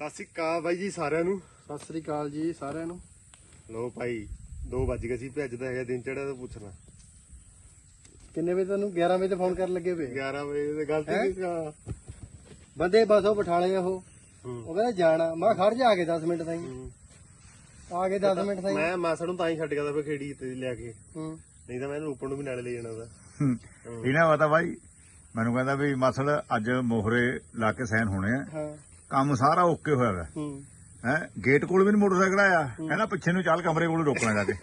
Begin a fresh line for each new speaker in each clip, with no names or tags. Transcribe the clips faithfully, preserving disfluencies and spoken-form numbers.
ਸਤਿ ਸ੍ਰੀ ਅਕਾਲ ਬਾਈ ਜੀ ਸਾਰਿਆਂ ਨੂੰ।
ਸਤਿ ਸ੍ਰੀ ਅਕਾਲ ਜੀ ਸਾਰਿਆਂ ਨੂੰ।
ਲੋ ਭਾਈ ਦੋ ਵੱਜ ਗਏ ਸੀ, ਭੱਜਦਾ ਹੈਗਾ ਦਿਨ ਚੜਿਆ ਤਾਂ ਪੁੱਛਣਾ
ਕਿੰਨੇ ਵਜੇ ਤੁਹਾਨੂੰ? ਗਿਆਰਾਂ ਵਜੇ ਤੇ ਫੋਨ ਕਰਨ ਲੱਗੇ ਪਏ।
ਗਿਆਰਾਂ ਵਜੇ ਤੇ ਗਲਤੀ ਨਹੀਂ ਆ
ਬੰਦੇ ਬਸ ਉਹ ਬਿਠਾਲੇ ਉਹ ਉਹ ਕਹਿੰਦਾ ਜਾਣਾ। ਮੈਂ ਖੜ ਜਾ ਕੇ ਦਸ ਮਿੰਟ ਤਾਈਂ ਆ ਕੇ ਦਸ ਮਿੰਟ ਤਾਈਂ
ਮੈਂ ਮਾਸੜ ਨੂੰ ਤਾਂ ਹੀ ਛੱਡ ਗਿਆ ਤਾਂ ਫੇ ਖੇੜੀ ਤੇ ਲਿਆ ਕੇ,
ਹੂੰ
ਨਹੀਂ ਤਾਂ ਮੈਂ ਇਹਨੂੰ ਉੱਪਰ ਨੂੰ ਵੀ ਨਾਲੇ ਲੈ ਜਾਣਾ ਉਹਦਾ।
ਇਹਨਾਂ ਪਤਾ ਬਾਈ ਮੈਨੂੰ ਕਹਿੰਦਾ ਵੀ ਮਸਲ ਅੱਜ ਮੋਹਰੇ ਲਾ ਕੇ ਸਾਈਨ ਹੋਣੇ ਆ,
ਹਾਂ
ਕੰਮ ਸਾਰਾ ਓਕੇ ਹੋਇਆ ਵਾ
ਹੂੰ
ਹੈ। ਗੇਟ ਕੋਲ ਵੀ ਨੀ ਮੋਟਰਸਾਈਕਲ ਆਇਆ, ਕਹਿੰਦਾ ਪਿੱਛੇ ਨੂੰ ਚੱਲ ਕਮਰੇ ਕੋਲ ਰੋਕਣਾ ਜਾ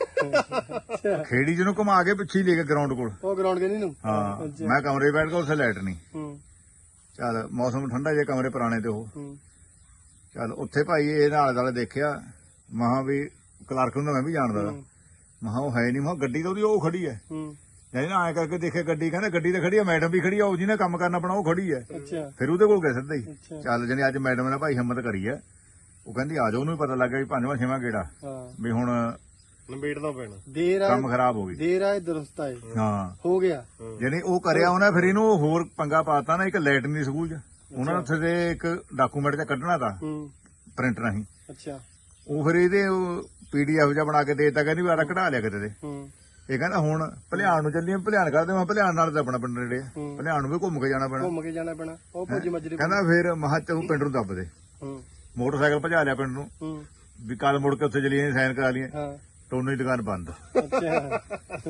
ਕੇ। ਖੇੜੀ ਜਿਹਨੂੰ ਘੁਮਾ ਕੇ ਪਿੱਛੇ ਹੀ ਲੈ ਕੇ ਗਰਾਊਂਡ ਕੋਲ।
ਉਹ ਗਰਾਊਂਡ ਕੇ ਨੂੰ
ਹਾਂ ਮੈਂ ਕਮਰੇ ਬੈਠ ਕੇ ਉੱਥੇ ਲਾਈਟ ਨਹੀਂ।
ਹੂੰ
ਚੱਲ ਮੌਸਮ ਠੰਡਾ ਜੇ ਕਮਰੇ ਪੁਰਾਣੇ ਤੇ ਉਹ
ਹੂੰ
ਚੱਲ ਉੱਥੇ ਭਾਈ ਇਹ ਨਾਲ ਵਾਲੇ ਦੇਖਿਆ ਮਹਾ ਵੀ ਕਲਰਕ ਨੂੰ ਮੈਂ ਵੀ ਜਾਣਦਾ ਮਹਾ ਉਹ ਹੈ ਨਹੀਂ ਮਹਾ ਗੱਡੀ ਤਾਂ ਉਹਦੀ ਉਹ ਖੜੀ ਹੈ।
ਹੂੰ
ਜਾਨੀ ਨਾ ਐ ਕਰਕੇ ਦੇਖੇ ਗੱਡੀ, ਕਹਿੰਦਾ ਗੱਡੀ ਤਾਂ ਖੜੀ ਆ, ਮੈਡਮ ਵੀ ਖੜੀ ਆ, ਉਹ ਜਿਹਨੇ ਕੰਮ ਕਰਨਾ ਆਪਣਾ ਉਹ ਖੜੀ ਹੈ।
ਅੱਛਾ
ਫਿਰ ਉਹਦੇ ਕੋਲ ਗਏ ਸਿੱਧਾ ਹੀ।
ਅੱਛਾ
ਚੱਲ ਜਾਨੀ ਅੱਜ ਮੈਡਮ ਨੇ ਭਾਈ ਹਿੰਮਤ ਕਰੀ ਹੈ, ਉਹ ਕਹਿੰਦੀ ਆ ਜਾਓ, ਉਹਨੂੰ ਵੀ ਪਤਾ ਲੱਗ ਗਿਆ ਵੀ ਪੰਜਵਾਂ ਛੇਵਾਂ ਗੇੜਾ
ਹਾਂ
ਵੀ ਹੁਣ
ਨੰਬੇੜਨਾ ਪੈਣਾ।
ਦੇਰ ਆਏ
ਕੰਮ ਖਰਾਬ ਹੋ ਗਈ।
ਦੇਰ ਆਏ ਦਰੁਸਤ ਆਏ
ਹਾਂ
ਹੋ ਗਿਆ।
ਜਾਨੀ ਉਹ ਕਰਿਆ ਉਹਨੇ, ਫਿਰ ਇਹਨੂੰ ਹੋਰ ਪੰਗਾ ਪਾਤਾ ਨਾ। ਇੱਕ ਲਾਈਟ ਨਹੀਂ ਸਕੂਲ 'ਚ, ਉਹਨਾਂ ਨੇ ਉੱਥੇ ਦੇ ਇੱਕ ਡਾਕੂਮੈਂਟ ਤੇ ਕੱਢਣਾ ਤਾ
ਹੂੰ
ਪ੍ਰਿੰਟ ਰਾਹੀਂ।
ਅੱਛਾ
ਉਹ ਫਿਰ ਇਹਦੇ ਪੀਡੀਐਫ ਜਿਹਾ ਬਣਾ ਕੇ ਦੇਤਾ, ਕਹਿੰਦੀ ਵੀ ਆਹ ਕਢਾ ਲਿਆ ਕਿਤੇ ਦੇ।
ਹੂੰ
ਇਹ ਕਹਿੰਦਾ ਹੁਣ ਭਲਿਆਣ ਨੂੰ ਚੱਲੀਏ, ਭਲਿਆਣ ਕਰਦੇ ਮੈਂ ਭਲਿਆਣ ਨਾਲ ਤਾਂ ਆਪਣਾ ਪਿੰਡ ਨੇੜੇ ਆ,
ਹੂੰ।
ਭਲਿਆਣ ਨੂੰ ਵੀ ਘੁੰਮ ਕੇ ਜਾਣਾ ਪੈਣਾ।
ਘੁੰਮ ਕੇ ਜਾਣਾ ਪੈਣਾ। ਉਹ ਭੁੱਜ ਮਜਰੇ
ਕਹਿੰਦਾ ਫਿਰ ਮਹਾ ਤੂੰ ਪਿੰਡ ਨੂੰ ਦੱਬ ਦੇ।
ਹੂੰ
ਮੋਟਰਸਾਈਕਲ ਭਜਾ ਲਿਆ ਪਿੰਡ ਨੂੰ
ਹੂੰ
ਵੀ ਕੱਲ ਮੁੜ ਕੇ ਉੱਥੇ ਚਲੀਏ ਸਾਈਨ ਕਰਾ ਲਈਏ।
ਹਾਂ
ਟੋਨੀ ਦੀ ਦੁਕਾਨ ਬੰਦ।
ਅੱਛਾ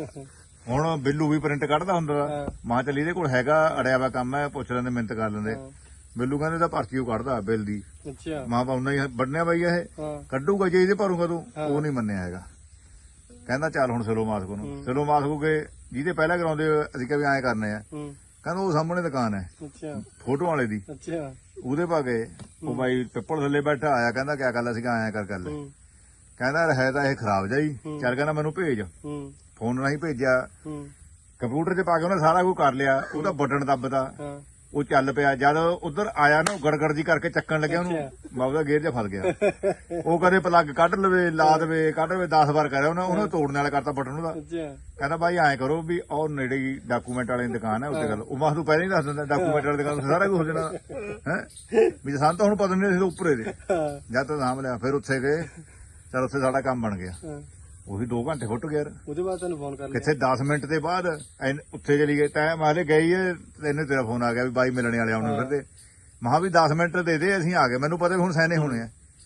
ਹੁਣ ਬਿੱਲੂ ਵੀ ਪ੍ਰਿੰਟ ਕੱਢਦਾ ਹੁੰਦਾ
ਹਾਂ।
ਮਾਂ ਚੱਲੀ ਇਹਦੇ ਕੋਲ ਹੈਗਾ, ਅੜਿਆ ਵਾ ਕੰਮ ਹੈ, ਪੁੱਛ ਲੈਂਦੇ ਮਿੰਤ ਕਰ ਲੈਂਦੇ।
ਹਾਂ।
ਬਿੱਲੂ ਕਹਿੰਦੇ ਤਾਂ ਪਰਚੀ ਉਹ ਕੱਢਦਾ ਬਿੱਲ ਦੀ।
ਅੱਛਾ
ਮਾਂ ਪਾਉਣਾ ਹੀ ਵੱਢਣਿਆ ਬਈ ਇਹ
ਹਾਂ
ਕੱਢੂਗਾ ਜੇ ਇਹਦੇ ਭਰੂਗਾ ਤੂੰ।
ਹਾਂ।
ਉਹ ਨਹੀਂ ਮੰਨਿਆ ਹੈਗਾ, ਕਹਿੰਦਾ ਚੱਲ ਹੁਣ ਸਿਲੋ ਮਾਸਕੋ ਨੂੰ। ਸਿਲੋ ਮਾਸਕੋ ਕੇ ਜਿਹਦੇ ਪਹਿਲਾਂ ਕਰਾਉਂਦੇ ਅਸੀਂ ਕਿਹਾ ਵੀ ਐਂ ਕਰਨੇ ਆ,
ਹੂੰ
ਕਹਿੰਦਾ ਉਹ ਸਾਹਮਣੇ ਦੁਕਾਨ ਹੈ
ਅੱਛਾ
ਫੋਟੋ ਵਾਲੇ ਦੀ,
ਅੱਛਾ
ਉਹਦੇ ਪਾ ਗਏ। ਉਹ ਬਾਈ ਪਿੱਪਲ ਥੱਲੇ ਬੈਠਾ ਆਇਆ, ਕਹਿੰਦਾ ਕਿਆ ਗੱਲ ਅਸੀਂ ਆਇਆ ਕਰ ਗੱਲ।
ਹੂੰ
ਕਹਿੰਦਾ ਹੈ ਤਾਂ ਇਹ ਖਰਾਬ ਜਾਈ, ਚੱਲ ਕਹਿੰਦਾ ਮੈਨੂੰ ਭੇਜ।
ਹੂੰ
ਫੋਨ ਰਾਹੀਂ ਭੇਜਿਆ,
ਹੂੰ
ਕੰਪਿਊਟਰ 'ਚ ਪਾ ਕੇ ਉਹਨੇ ਸਾਰਾ ਕੁਝ ਕਰ ਲਿਆ। ਉਹਦਾ ਬਟਨ ਦੱਬਦਾ,
ਹਾਂ
ਉਹ ਚੱਲ ਪਿਆ। ਜਦ ਉਧਰ ਆਇਆ ਨਾ ਗੜਗੜ ਜੀ ਕਰਕੇ ਚੱਕਣ ਲੱਗਿਆ ਉਹਨੂੰ, ਮੈਂ ਉਹਦਾ ਗੇਅਰ 'ਚ ਫਸ ਗਿਆ। ਉਹ ਕਦੇ ਪਲੱਗ ਕੱਢ ਲਵੇ, ਲਾ ਦੇਵੇ, ਕੱਢ ਲਵੇ, ਦਸ ਵਾਰ ਕਰਿਆ ਉਹਨੇ। ਉਹਨੇ ਤੋੜਨ ਵਾਲਾ ਕਰਤਾ ਬਟਨ ਉਹਦਾ।
ਅੱਛਾ
ਕਹਿੰਦਾ ਬਾਈ ਐਂ ਕਰੋ ਵੀ ਉਹ ਨੇੜੇ ਹੀ ਡਾਕੂਮੈਂਟ ਵਾਲੇ ਦੀ ਦੁਕਾਨ ਹੈ, ਉੱਤੇ ਗੱਲ। ਉਹ ਮੈਂ ਤੂੰ ਪਹਿਲਾਂ ਹੀ ਦੱਸ ਦਿੰਦਾ ਡਾਕੂਮੈਂਟ ਵਾਲੀ ਦੁਕਾਨ ਸਾਰਾ ਕੁਝ ਹੋ ਜਾਣਾ ਹੈ ਵੀ ਸਾਨੂੰ ਤਾਂ ਹੁਣ ਪਤਾ ਨਹੀਂ ਸੀ ਉੱਪਰੇ ਦੇ।
ਹਾਂ
ਜਦ ਤਾਂ ਨਾਮ ਲਿਆ ਫਿਰ ਉੱਥੇ ਗਏ, ਚਲ ਉੱਥੇ ਸਾਡਾ ਕੰਮ ਬਣ ਗਿਆ।
ਹਾਂ।
ਉਹੀ ਦੋ ਘੰਟੇ ਫੁੱਟ ਗਿਆ।
ਉਹਦੇ ਬਾਅਦ ਤੈਨੂੰ ਫੋਨ ਕਰ ਲਿਆ।
ਕਿੱਥੇ ਦਸ ਮਿੰਟ ਦੇ ਬਾਅਦ ਐਨ ਉੱਥੇ ਚਲੀ ਗਏ। ਟਾਈਮ ਹਾਲੇ ਗਈ ਹੈ, ਤੈਨੂੰ ਤੇਰਾ ਫੋਨ ਆ ਗਿਆ ਵੀ ਬਾਈ ਮਿਲਣੇ ਵਾਲੇ ਆਉਣੇ ਫਿਰਦੇ। ਮਹਾ ਵੀ ਦਸ ਮਿੰਟ ਦੇ ਦੇ, ਅਸੀਂ ਆ ਗਏ। ਮੈਨੂੰ ਪਤਾ ਵੀ ਹੁਣ ਸਾਈਨ ਹੋਣੇ ਆ।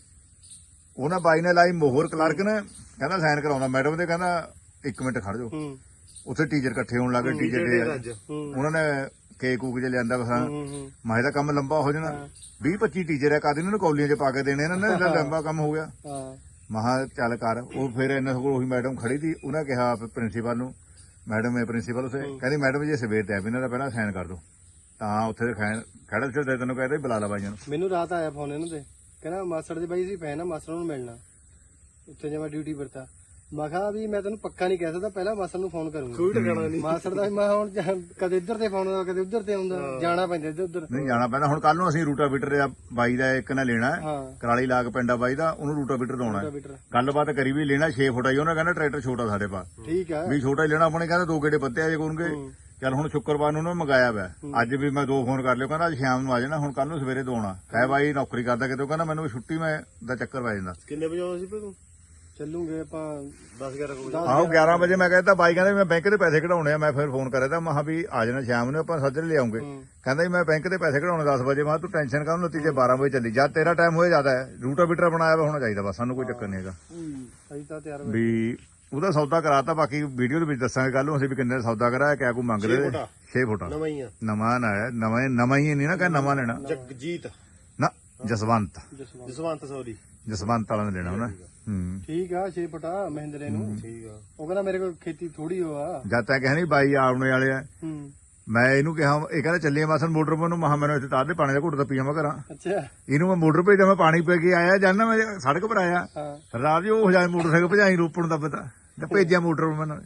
ਉਹਨਾਂ ਬਾਈ ਨੇ ਲਾਈ ਮੋਹਰ, ਕਲਰਕ ਨੇ ਕਹਿੰਦਾ ਸਾਈਨ ਕਰਾਉਣਾ ਮੈਡਮ ਦੇ। ਕਹਿੰਦਾ ਇੱਕ ਮਿੰਟ ਖੜ ਜਾਓ।
ਹੂੰ
ਉੱਥੇ ਟੀਚਰ ਇਕੱਠੇ ਹੋਣ ਲੱਗੇ। ਟੀਚਰ ਦੇ
ਅੱਜ
ਹੂੰ
ਉਹਨਾਂ ਨੇ ਕੇਕ ਕੂਕ ਜੇ ਲਿਆਂਦਾ ਬਸਾਂ।
ਹੂੰ ਹੂੰ
ਮਾਹੇ ਦਾ ਕੰਮ ਲੰਬਾ ਹੋ ਜਾਣਾ। ਵੀਹ ਪੱਚੀ ਟੀਚਰ ਆ, ਕਦ ਇਹਨਾਂ ਨੂੰ ਕੌਲੀਆਂ 'ਚ ਪਾ ਕੇ ਦੇਣੇ ਇਹਨਾਂ ਨੇ, ਇਹਦਾ ਲੰਬਾ ਕੰਮ ਹੋ ਗਿਆ।
ਹਾਂ
ਮਹਾ ਚੱਲ ਕਰ। ਉਹ ਫਿਰ ਇਹਨਾਂ ਕੋਲ ਉਹੀ ਮੈਡਮ ਖੜੀ ਸੀ, ਉਹਨੇ ਕਿਹਾ ਪ੍ਰਿੰਸੀਪਲ ਨੂੰ, ਮੈਡਮ ਹੈ ਪ੍ਰਿੰਸੀਪਲ ਉਸੇ, ਕਹਿੰਦੀ ਮੈਡਮ ਜੀ ਸਵੇਰ ਤੇ ਆ ਵੀ ਇਹਨਾਂ ਦਾ ਪਹਿਲਾਂ ਸਾਈਨ ਕਰ ਦੋ। ਤਾਂ ਉੱਥੇ ਖੜਾ ਸੀ ਤੈਨੂੰ ਕਹਿੰਦਾ ਬੁਲਾ ਲਾ ਬਾਈਆਂ ਨੂੰ।
ਮੈਨੂੰ ਰਾਤ ਆਇਆ ਫੋਨ ਇਹਨਾਂ ਦੇ, ਕਹਿੰਦਾ ਮਾਸੜ ਦੇ ਬਾਈ ਸੀ ਪੈ ਨਾ, ਮਾਸੜ ਨੂੰ ਮਿਲਣਾ ਉੱਥੇ ਜੇ ਮੈਂ ਡਿਊਟੀ ਵਰਤਾ। ਮੈਂ ਕਿਹਾ ਵੀ ਮੈਂ ਤੈਨੂੰ ਪੱਕਾ ਨਹੀਂ ਕਹਿ ਸਕਦਾ, ਪਹਿਲਾਂ ਮਾਸੜ ਨੂੰ ਫੋਨ ਕਰੂੰਗਾ।
ਕੋਈ ਟਿਕਾਣਾ ਨਹੀਂ
ਮਾਸੜ ਦਾ ਮੈਂ ਹੁਣ ਜਾਂ- ਕਦੇ ਇੱਧਰ ਤੇ ਫੋਨ ਆਉਂਦਾ, ਕਦੇ ਉੱਧਰ ਤੇ ਆਉਂਦਾ, ਜਾਣਾ ਪੈਂਦਾ ਇੱਧਰ ਉੱਧਰ।
ਨਹੀਂ ਜਾਣਾ ਪੈਂਦਾ। ਹੁਣ ਕੱਲ ਨੂੰ ਅਸੀਂ ਰੂਟਾਵੀਟਰ ਦਾ ਬਾਈ ਦਾ ਇੱਕ ਨੇ ਲੈਣਾ ਹੈ,
ਹਾਂ
ਕਰਾਲੀ ਲਾਗ ਪਿੰਡਾ ਬਾਈ ਦਾ, ਉਹਨੂੰ ਰੂਟਾਵੀਟਰ ਦੋਣਾ ਹੈ।
ਬੀਟਰ
ਗੱਲਬਾਤ ਕਰੀ ਵੀ ਲੈਣਾ ਛੇ ਫੁੱਟ ਆਈ। ਉਹਨੇ ਕਹਿੰਦਾ ਟਰੈਕਟਰ ਛੋਟਾ ਸਾਡੇ ਪਾ
ਠੀਕ ਆ।
ਵੀ ਛੋਟਾ ਹੀ ਲੈਣਾ ਆਪਣੇ। ਕਹਿੰਦਾ ਦੋ ਗੇੜੇ ਬੱਤੇ ਆਜੇ ਕਰਨਗੇ। ਚੱਲ ਹੁਣ ਸ਼ੁੱਕਰਵਾਰ ਨੂੰ ਉਹਨੇ ਮੰਗਾਇਆ ਵਾ। ਅੱਜ ਵੀ ਮੈਂ ਦੋ ਫੋਨ ਕਰ ਲਿਓ, ਕਹਿੰਦਾ ਅੱਜ ਸ਼ਾਮ ਨੂੰ ਆ ਜਾਣਾ, ਹੁਣ ਕੱਲ ਨੂੰ ਸਵੇਰੇ ਦੋਣਾ ਹੈ। ਬਾਈ ਨੌਕਰੀ ਕਰਦਾ ਕਿਤੇ, ਕਹਿੰਦਾ ਮੈਨੂੰ ਛੁੱਟੀ ਮੈਂ ਦਾ ਚੱਕਰ ਪੈ ਜਾਂਦਾ।
ਕਿੰਨੇ ਵਜੇ ਆਉਂਦਾ ਸੀ ਭਈ ਤੂੰ?
ਚੱਲੂਗੇ ਆਪਾਂ
ਦਸ ਗਿਆਰਾਂ ਵਜੇ।
ਆਹੋ ਗਿਆਰਾਂ ਵਜੇ ਮੈਂ ਕਹਿੰਦਾ ਬਾਈ ਕਹਿੰਦਾ ਮੈਂ ਬੈਂਕ ਦੇ ਪੈਸੇ ਕਢਾਉਣੇ ਆ। ਮੈਂ ਫਿਰ ਫੋਨ ਕਰਿਆ ਤਾਂ ਮਹਾ ਵੀ ਆ ਜਾਣਾ ਸ਼ਾਮ ਨੂੰ, ਆਪਾਂ ਸੱਜਰੇ ਲਿਆਉਂਗੇ। ਕਹਿੰਦਾ ਜੀ ਮੈਂ ਬੈਂਕ ਦੇ ਪੈਸੇ ਕਢਾਉਣੇ ਦਸ ਵਜੇ। ਮੈਂ ਤੂੰ ਟੈਨਸ਼ਨ ਕਰ, ਨਤੀਜੇ ਬਾਰਾਂ ਵਜੇ ਚੱਲੀ ਜਦ ਤੇਰਾ ਟਾਈਮ ਹੋਏ ਜ਼ਿਆਦਾ ਹੈ। ਰੂਟਾਵੀਟਰ ਬਣਾਇਆ ਹੋਣਾ ਚਾਹੀਦਾ ਬਸ, ਸਾਨੂੰ ਕੋਈ ਚੱਕਰ ਨਹੀਂ ਹੈਗਾ।
ਅਸੀਂ ਤਾਂ ਤਿਆਰ
ਵੀ ਉਹਦਾ ਸੌਦਾ ਕਰਾਤਾ। ਬਾਕੀ ਵੀਡੀਓ ਦੇ ਵਿੱਚ ਦੱਸਾਂਗੇ ਕੱਲ ਨੂੰ ਅਸੀਂ ਵੀ ਕਿੰਨੇ ਦਾ ਸੌਦਾ ਕਰਾਇਆ, ਕਿਆ ਕੋਈ ਮੰਗਦੇ ਛੇ ਫੁੱਟ
ਨਵਾਂ ਹੀ ਆ।
ਨਵਾਂ ਨਾ ਆਇਆ, ਨਵਾਂ ਨਵਾਂ ਹੀ ਨਹੀਂ ਨਾ ਕਹ ਨਵਾਂ ਲੈਣਾ
ਜਗਜੀਤ
ਨਾ, ਜਸਵੰਤ
ਜਸਵੰਤ।
ਜਸਵੰਤ ਸੌਰੀ
ਜਸਵੰਤ ਵਾਲਾ ਨੇ ਲੈਣਾ ਉਹਨੇ। ਹੂੰ
ਠੀਕ ਆ ਛੇ ਫੁੱਟਾ ਮਹਿੰਦਰੇ ਨੂੰ।
ਠੀਕ ਆ।
ਉਹ ਕਹਿੰਦਾ ਮੇਰੇ ਕੋਲ ਖੇਤੀ ਥੋੜੀ ਹੋ ਆ।
ਜਦ ਤੱਕ ਕਹਿੰਦੇ ਬਾਈ ਆਉਣੇ ਵਾਲੇ ਆ।
ਹੂੰ
ਮੈਂ ਇਹਨੂੰ ਕਿਹਾ, ਇਹ ਕਹਿੰਦਾ ਚੱਲੀਏ ਮਾਸਨ ਮੋਟਰ ਪਾ ਨੂੰ। ਮਹਾ ਮੈਨੂੰ ਇੱਥੇ ਤਾਰ ਦੇ ਪਾਣੀ ਦਾ ਘੁੱਟ ਤਾਂ ਪੀਵਾਂ ਕਰਾਂ।
ਅੱਛਾ
ਇਹਨੂੰ ਮੈਂ ਮੋਟਰ ਭੇਜਦਾ, ਮੈਂ ਪਾਣੀ ਪੀ ਕੇ ਆਇਆ ਜਾਂਦਾ, ਮੈਂ ਸੜਕ ਪਰ ਆਇਆ
ਹਾਂ
ਰਾਤ ਜੀ ਉਹ ਹਜ਼ਾਰ ਮੋਟਰਸਾਈਕਲ ਭਜਾਈ ਰੋਪੜ ਨੂੰ ਦਾ ਪਤਾ ਤੇ ਭੇਜਿਆ ਮੋਟਰ ਮੈਨੂੰ।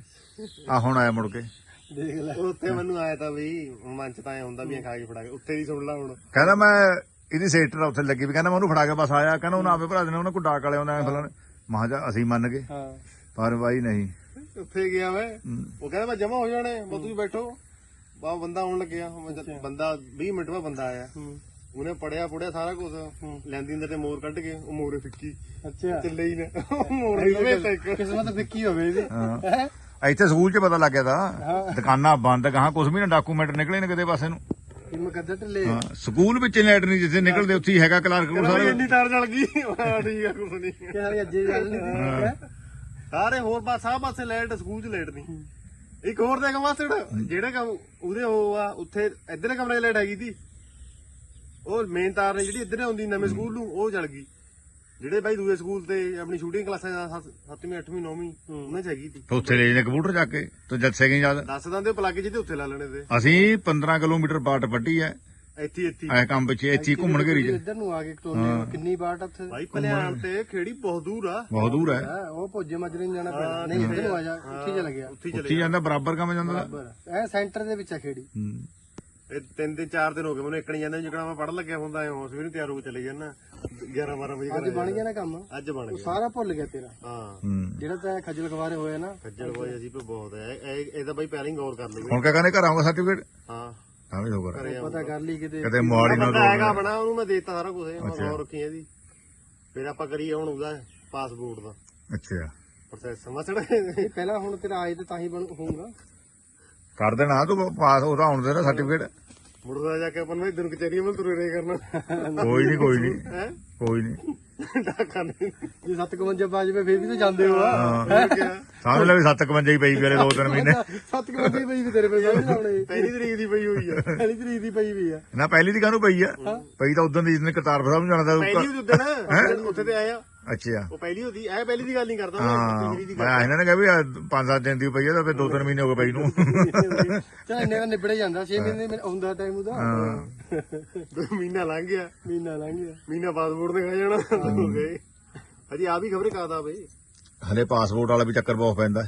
ਆ ਹੁਣ ਆਇਆ ਮੁੜ ਕੇ,
ਦੇਖ ਲੈ।
ਉੱਥੇ ਮੈਨੂੰ ਆਇਆ ਤਾਂ ਵੀ ਮਨ ਚ ਤਾਂ ਐ ਹੁੰਦਾ ਵੀ ਇਹ ਖਾ ਕੇ ਫੜਾ ਕੇ ਉੱਥੇ ਦੀ ਸੁਣ ਲਾ ਹੁਣ।
ਕਹਿੰਦਾ ਮੈਂ ਇਹਦੀ ਸੇਟਰ ਉੱਥੇ ਲੱਗੀ ਵੀ, ਕਹਿੰਦਾ ਮੈਂ ਉਹਨੂੰ ਫੜਾ ਕੇ ਬਸ ਆਇਆ। ਕਹਿੰਦਾ ਉਹਨਾਂ ਆਪੇ ਭਰਾ ਦੇਣੇ, ਉਹਨਾਂ ਕੋਈ ਡਾਕ ਵਾਲੇ ਆਉਂਦਾ ਫਲਾਣੇ। ਮਹਾ ਜਾ ਅਸੀਂ ਮੰਨ ਗਏ,
ਹਾਂ
ਪਰ ਬਾਈ ਨਹੀਂ।
ਉੱਥੇ ਗਿਆ ਮੈਂ, ਉਹ ਕਹਿੰਦਾ ਮੈਂ ਜਮਾ ਹੋ ਜਾਣੇ, ਬਸ ਤੁਸੀਂ ਬੈਠੋ। ਬਾ ਬੰਦਾ ਆਉਣ ਲੱਗਿਆ, ਬੰਦਾ ਵੀਹ ਮਿੰਟ ਬਾਅਦ ਬੰਦਾ ਆਇਆ। ਉਹਨੇ ਪੜਿਆ ਪੁੜਿਆ ਸਾਰਾ ਕੁਝ ਲੈਂਦੀ ਅੰਦਰ ਤੇ ਮੋਰ ਕੱਢ ਕੇ ਉਹ ਮੋਰੇ ਫਿੱਕੀ
ਅੱਛਾ
ਚੱਲੇ ਹੀ ਨੇ ਮੋਰ ਹੀ ਲਵੇ ਟੈਕ
ਕਿਸਮਤ ਫਿੱਕੀ ਹੋਵੇ ਇਹਦੀ ਹੈਂ?
ਇੱਥੇ ਸਕੂਲ 'ਚ ਪਤਾ ਲੱਗ ਗਿਆ
ਹਾਂ।
ਤਾਂ ਦੁਕਾਨਾਂ ਬੰਦ ਗਾਹਾਂ ਕੁਝ ਵੀ ਨਾ ਡਾਕੂਮੈਂਟ ਨਿਕਲੇ ਨੇ ਕਿਤੇ ਪਾਸੇ ਨੂੰ
ਕਿ ਮੁਕੱਦਰ ਢਿੱਲੇ
ਹਾਂ ਸਕੂਲ ਵਿੱਚ ਲੈਟ ਨਹੀਂ ਜਿੱਥੇ ਨਿਕਲਦੇ ਉੱਥੇ ਹੀ ਹੈਗਾ ਕਲਾਰਕ ਕੋਲ
ਸਾਰੀ
ਸਾਰੇ
ਇੰਨੀ ਤਾਰ ਜਲ ਗਈ ਹਾਂ ਠੀਕ ਆ ਕੁਛ ਨਹੀਂ
ਕਿ ਸਾਰੀ ਅੱਜੇ ਗੱਲ ਨਹੀਂ ਹੈਂ?
ਸਾਰੇ ਹੋਰ ਪਾਸ ਸਭ ਪਾਸੇ ਲਾਈਟ ਸਕੂਲ 'ਚ ਲਾਈਟ ਨਹੀਂ ਇੱਕ ਹੋਰ ਦੇਖ ਮਾਸੜ ਜਿਹੜੇ ਕੰਮ ਉਹਦੇ ਉਹ ਆ ਉੱਥੇ ਇੱਧਰ ਕਮਰੇ ਲਾਈਟ ਹੈਗੀ ਤੀ ਉਹ ਮੇਨ ਤਾਰ ਨੇ ਜਿਹੜੀ ਇੱਧਰ ਆਉਂਦੀ ਨਵੇਂ ਸਕੂਲ ਨੂੰ ਉਹ ਜਲ ਗਈ ਜਿਹੜੇ ਬਾਈ ਦੂਏ ਸਕੂਲ ਤੇ ਆਪਣੀ ਸ਼ੂਟਿੰਗ ਕਲਾਸਾਂ ਸੱਤਵੀਂ ਅੱਠਵੀਂ ਨੌਵੀਂ ਉਹਨਾਂ 'ਚ ਹੈਗੀ ਤੀ
ਉੱਥੇ ਲੈ ਜਾਂਦੇ ਕੰਪਿਊਟਰ ਚੱਕ ਕੇ ਤੇ ਜੱਸੇ ਗਈ ਜਦ
ਦੱਸ ਦਿੰਦੇ ਪਲੱਗ ਜਿਹਦੇ ਉੱਥੇ ਲਾ ਲੈਣੇ ਤੇ
ਅਸੀਂ ਪੰਦਰਾਂ ਕਿਲੋਮੀਟਰ ਬਾਟ ਵੱਢੀ ਐ
ਇੱਥੇ ਇੱਥੇ
ਐ ਕੰਮ ਪਿੱਛੇ ਇੱਥੇ ਹੀ ਘੁੰਮਣ ਘੇਰੀ 'ਚ
ਇੱਧਰ ਨੂੰ ਆ ਕੇ ਟੋਲੇ ਕਿੰਨੀ ਬਾਟ ਆ ਉੱਥੇ
ਬਾਈ ਭਲਿਆਣ ਤੇ ਖੇੜੀ ਬਹੁਤ ਦੂਰ ਆ
ਬਹੁਤ ਦੂਰ ਹੈ
ਹਾਂ, ਉਹ ਭੋਜੇ ਮਾਜਰੇ ਨੂੰ ਜਾਣਾ ਪੈਣਾ ਨਹੀਂ ਇੱਧਰ ਨੂੰ ਆ ਜਾ ਉੱਥੇ ਚਲਾ ਗਿਆ
ਉੱਥੇ ਹੀ
ਉੱਥੇ
ਚਲੇ
ਹੀ ਜਾਂਦਾ ਬਰਾਬਰ ਕੰਮ ਜਾਂਦਾ
ਬਰਾਬਰ ਐ ਸੈਂਟਰ ਦੇ ਵਿੱਚ ਆ ਖੇੜੀ
ਹੂੰ।
ਇਹ ਤਿੰਨ ਦਿਨ ਚਾਰ ਦਿਨ ਹੋ ਗਏ ਮੈਨੂੰ ਇੱਕਣੀ ਜਾਂਦਾ ਜਿਕਣਾ ਮੈਂ ਪੜ੍ਹਨ ਲੱਗਿਆ ਹੁੰਦਾ ਐ ਉਸ ਵੀ ਨੂੰ ਤਿਆਰ ਹੋ ਕੇ ਚਲੇ ਜਾਣਾ ਗਿਆਰਾਂ ਬਾਰਾਂ ਵਜੇ
ਅੱਜ ਬਣ ਗਿਆ ਨਾ ਕੰਮ
ਅੱਜ ਬਣ
ਉਹ
ਗਿਆ
ਸਾਰਾ ਭੁੱਲ ਗਿਆ ਤੇਰਾ
ਹਾਂ
ਹੂੰ
ਜਿਹੜਾ ਤੈਂ ਖੱਜਲ ਖਵਾਰੇ ਹੋਏ ਨਾ
ਖੱਜਲ ਹੋਏ ਅਸੀਂ ਪੇ ਬਹੁਤ ਹੈ ਇਹ ਇਹਦਾ ਬਾਈ ਪਹਿਲਾਂ ਹੀ ਗੌਰ ਕਰ ਲਈਏ
ਹੁਣ ਕਿਆ ਕਹਿੰਦੇ ਘਰ ਆਉਂਗਾ ਸਰਟੀਫਿਕੇਟ
ਹਾਂ
ਤਾਂ ਵੀ ਹੋਗਾ
ਕਰਿਆ
ਪਤਾ ਕਰ ਲਈ ਕਿਤੇ
ਕਦੇ ਮੋਹਾਲੀ ਨਾ
ਬੰਦਾ ਹੈਗਾ ਬਣਾ ਉਹਨੂੰ ਮੈਂ ਦੇਤਾ ਸਾਰਾ ਕੁਝ ਮੈਂ ਗੌਰ ਰੱਖੀ ਇਹਦੀ ਫਿਰ ਆਪਾਂ ਕਰੀਏ ਹੁਣ ਉਹਦਾ ਪਾਸਪੋਰਟ ਦਾ
ਅੱਛਾ
ਪ੍ਰੋਸੈਸ ਮਸੜ
ਇਹ ਪਹਿਲਾਂ ਹੁਣ ਤੇਰਾ ਆਏ ਤੇ ਤਾਂ ਹੀ ਬਣ ਹੋਊਗਾ
ਕਰ ਦੇਣਾ ਤੂੰ ਪਾਸ ਉਹਦਾ ਹੁਣ ਦੇ ਨਾ ਸਰਟੀਫਿਕੇਟ
ਮੁੜਦਾ ਜਾ ਕੇ ਆਪਾਂ ਨੂੰ ਇਧਰ ਕਚਹਿਰੀਆਂ ਮੈਂ ਤੁਰੇ ਰਹੇ ਕਰਨਾ
ਕੋਈ ਨਹੀਂ ਕੋਈ ਨਹੀਂ
ਹੈ
ਕੋਈ ਨਹੀਂ
ਡਾਕਾ ਨਹੀਂ
ਜੇ ਸੱਤ ਇਕਵੰਜਾ ਬਾਜ ਵੇ ਫੇਰ ਵੀ ਤਾਂ ਜਾਂਦੇ ਹੋ ਆ
ਹਾਂ
ਕਿਹਾ
ਸਮਝ ਲੈ ਵੀ ਸੱਤ ਇਕਵੰਜਾ ਹੀ ਪਈ ਵੀ ਦੋ ਤਿੰਨ ਮਹੀਨੇ
ਸੱਤ ਇਕਵੰਜਾ ਹੀ ਪਈ ਵੀ ਤੇਰੇ ਪੇ ਲਾਉਣੇ
ਪਹਿਲੀ ਤਰੀਕ ਦੀ ਪਈ ਹੋਈ ਆ
ਪਹਿਲੀ ਤਰੀਕ ਦੀ ਪਈ ਵੀ ਆ
ਨਾ ਪਹਿਲੀ ਦੀ ਕਾਹਨੂੰ ਪਈ ਆ ਪਈ ਤਾਂ ਉਦੋਂ ਦੀ ਜਿਸ ਨੇ ਕਰਤਾਰਪੁਰ ਸਾਹਿਬ ਨੂੰ ਜਾਣਾ
ਪਹਿਲੀ
ਤਾਂ
ਉਹਦੇ ਨਾ ਉੱਥੇ ਤੇ ਆਇਆ
ਅੱਛਾ
ਉਹ ਪਹਿਲੀ ਹੁੰਦੀ ਐ ਪਹਿਲੀ ਦੀ ਗੱਲ ਨਹੀਂ ਕਰਦਾ
ਹਾਂ
ਮੈਂ ਦੀ
ਮੈਂ ਇਹਨਾਂ ਨੇ ਕਿਹਾ ਵੀ ਆਹ ਪੰਜ ਸੱਤ ਦਿਨ ਦੀ ਪਈ ਆ ਤਾਂ ਫਿਰ ਦੋ ਤਿੰਨ ਮਹੀਨੇ ਹੋ ਗਏ ਪਈ ਨੂੰ
ਚਾ ਇੰਨੇ ਦਾ ਨਿਬੜੇ ਜਾਂਦਾ ਛੇ ਮਹੀਨੇ ਮੈਨੂੰ ਆਉਂਦਾ ਟਾਈਮ ਉਹਦਾ
ਹਾਂ
ਮਹੀਨਾ ਲੰਘ ਗਿਆ
ਮਹੀਨਾ ਲੰਘ ਗਿਆ
ਮਹੀਨਾ ਪਾਸਪੋਰਟ ਤੇ ਖਾ ਜਾਣਾ ਹੋ ਗਏ ਅਜੀ ਆ ਵੀ ਖਬਰੇ ਕਾਦਾ ਬਈ
ਹਲੇ ਪਾਸਪੋਰਟ ਵਾਲਾ ਵੀ ਚੱਕਰ ਬਹੁਤ ਪੈਂਦਾ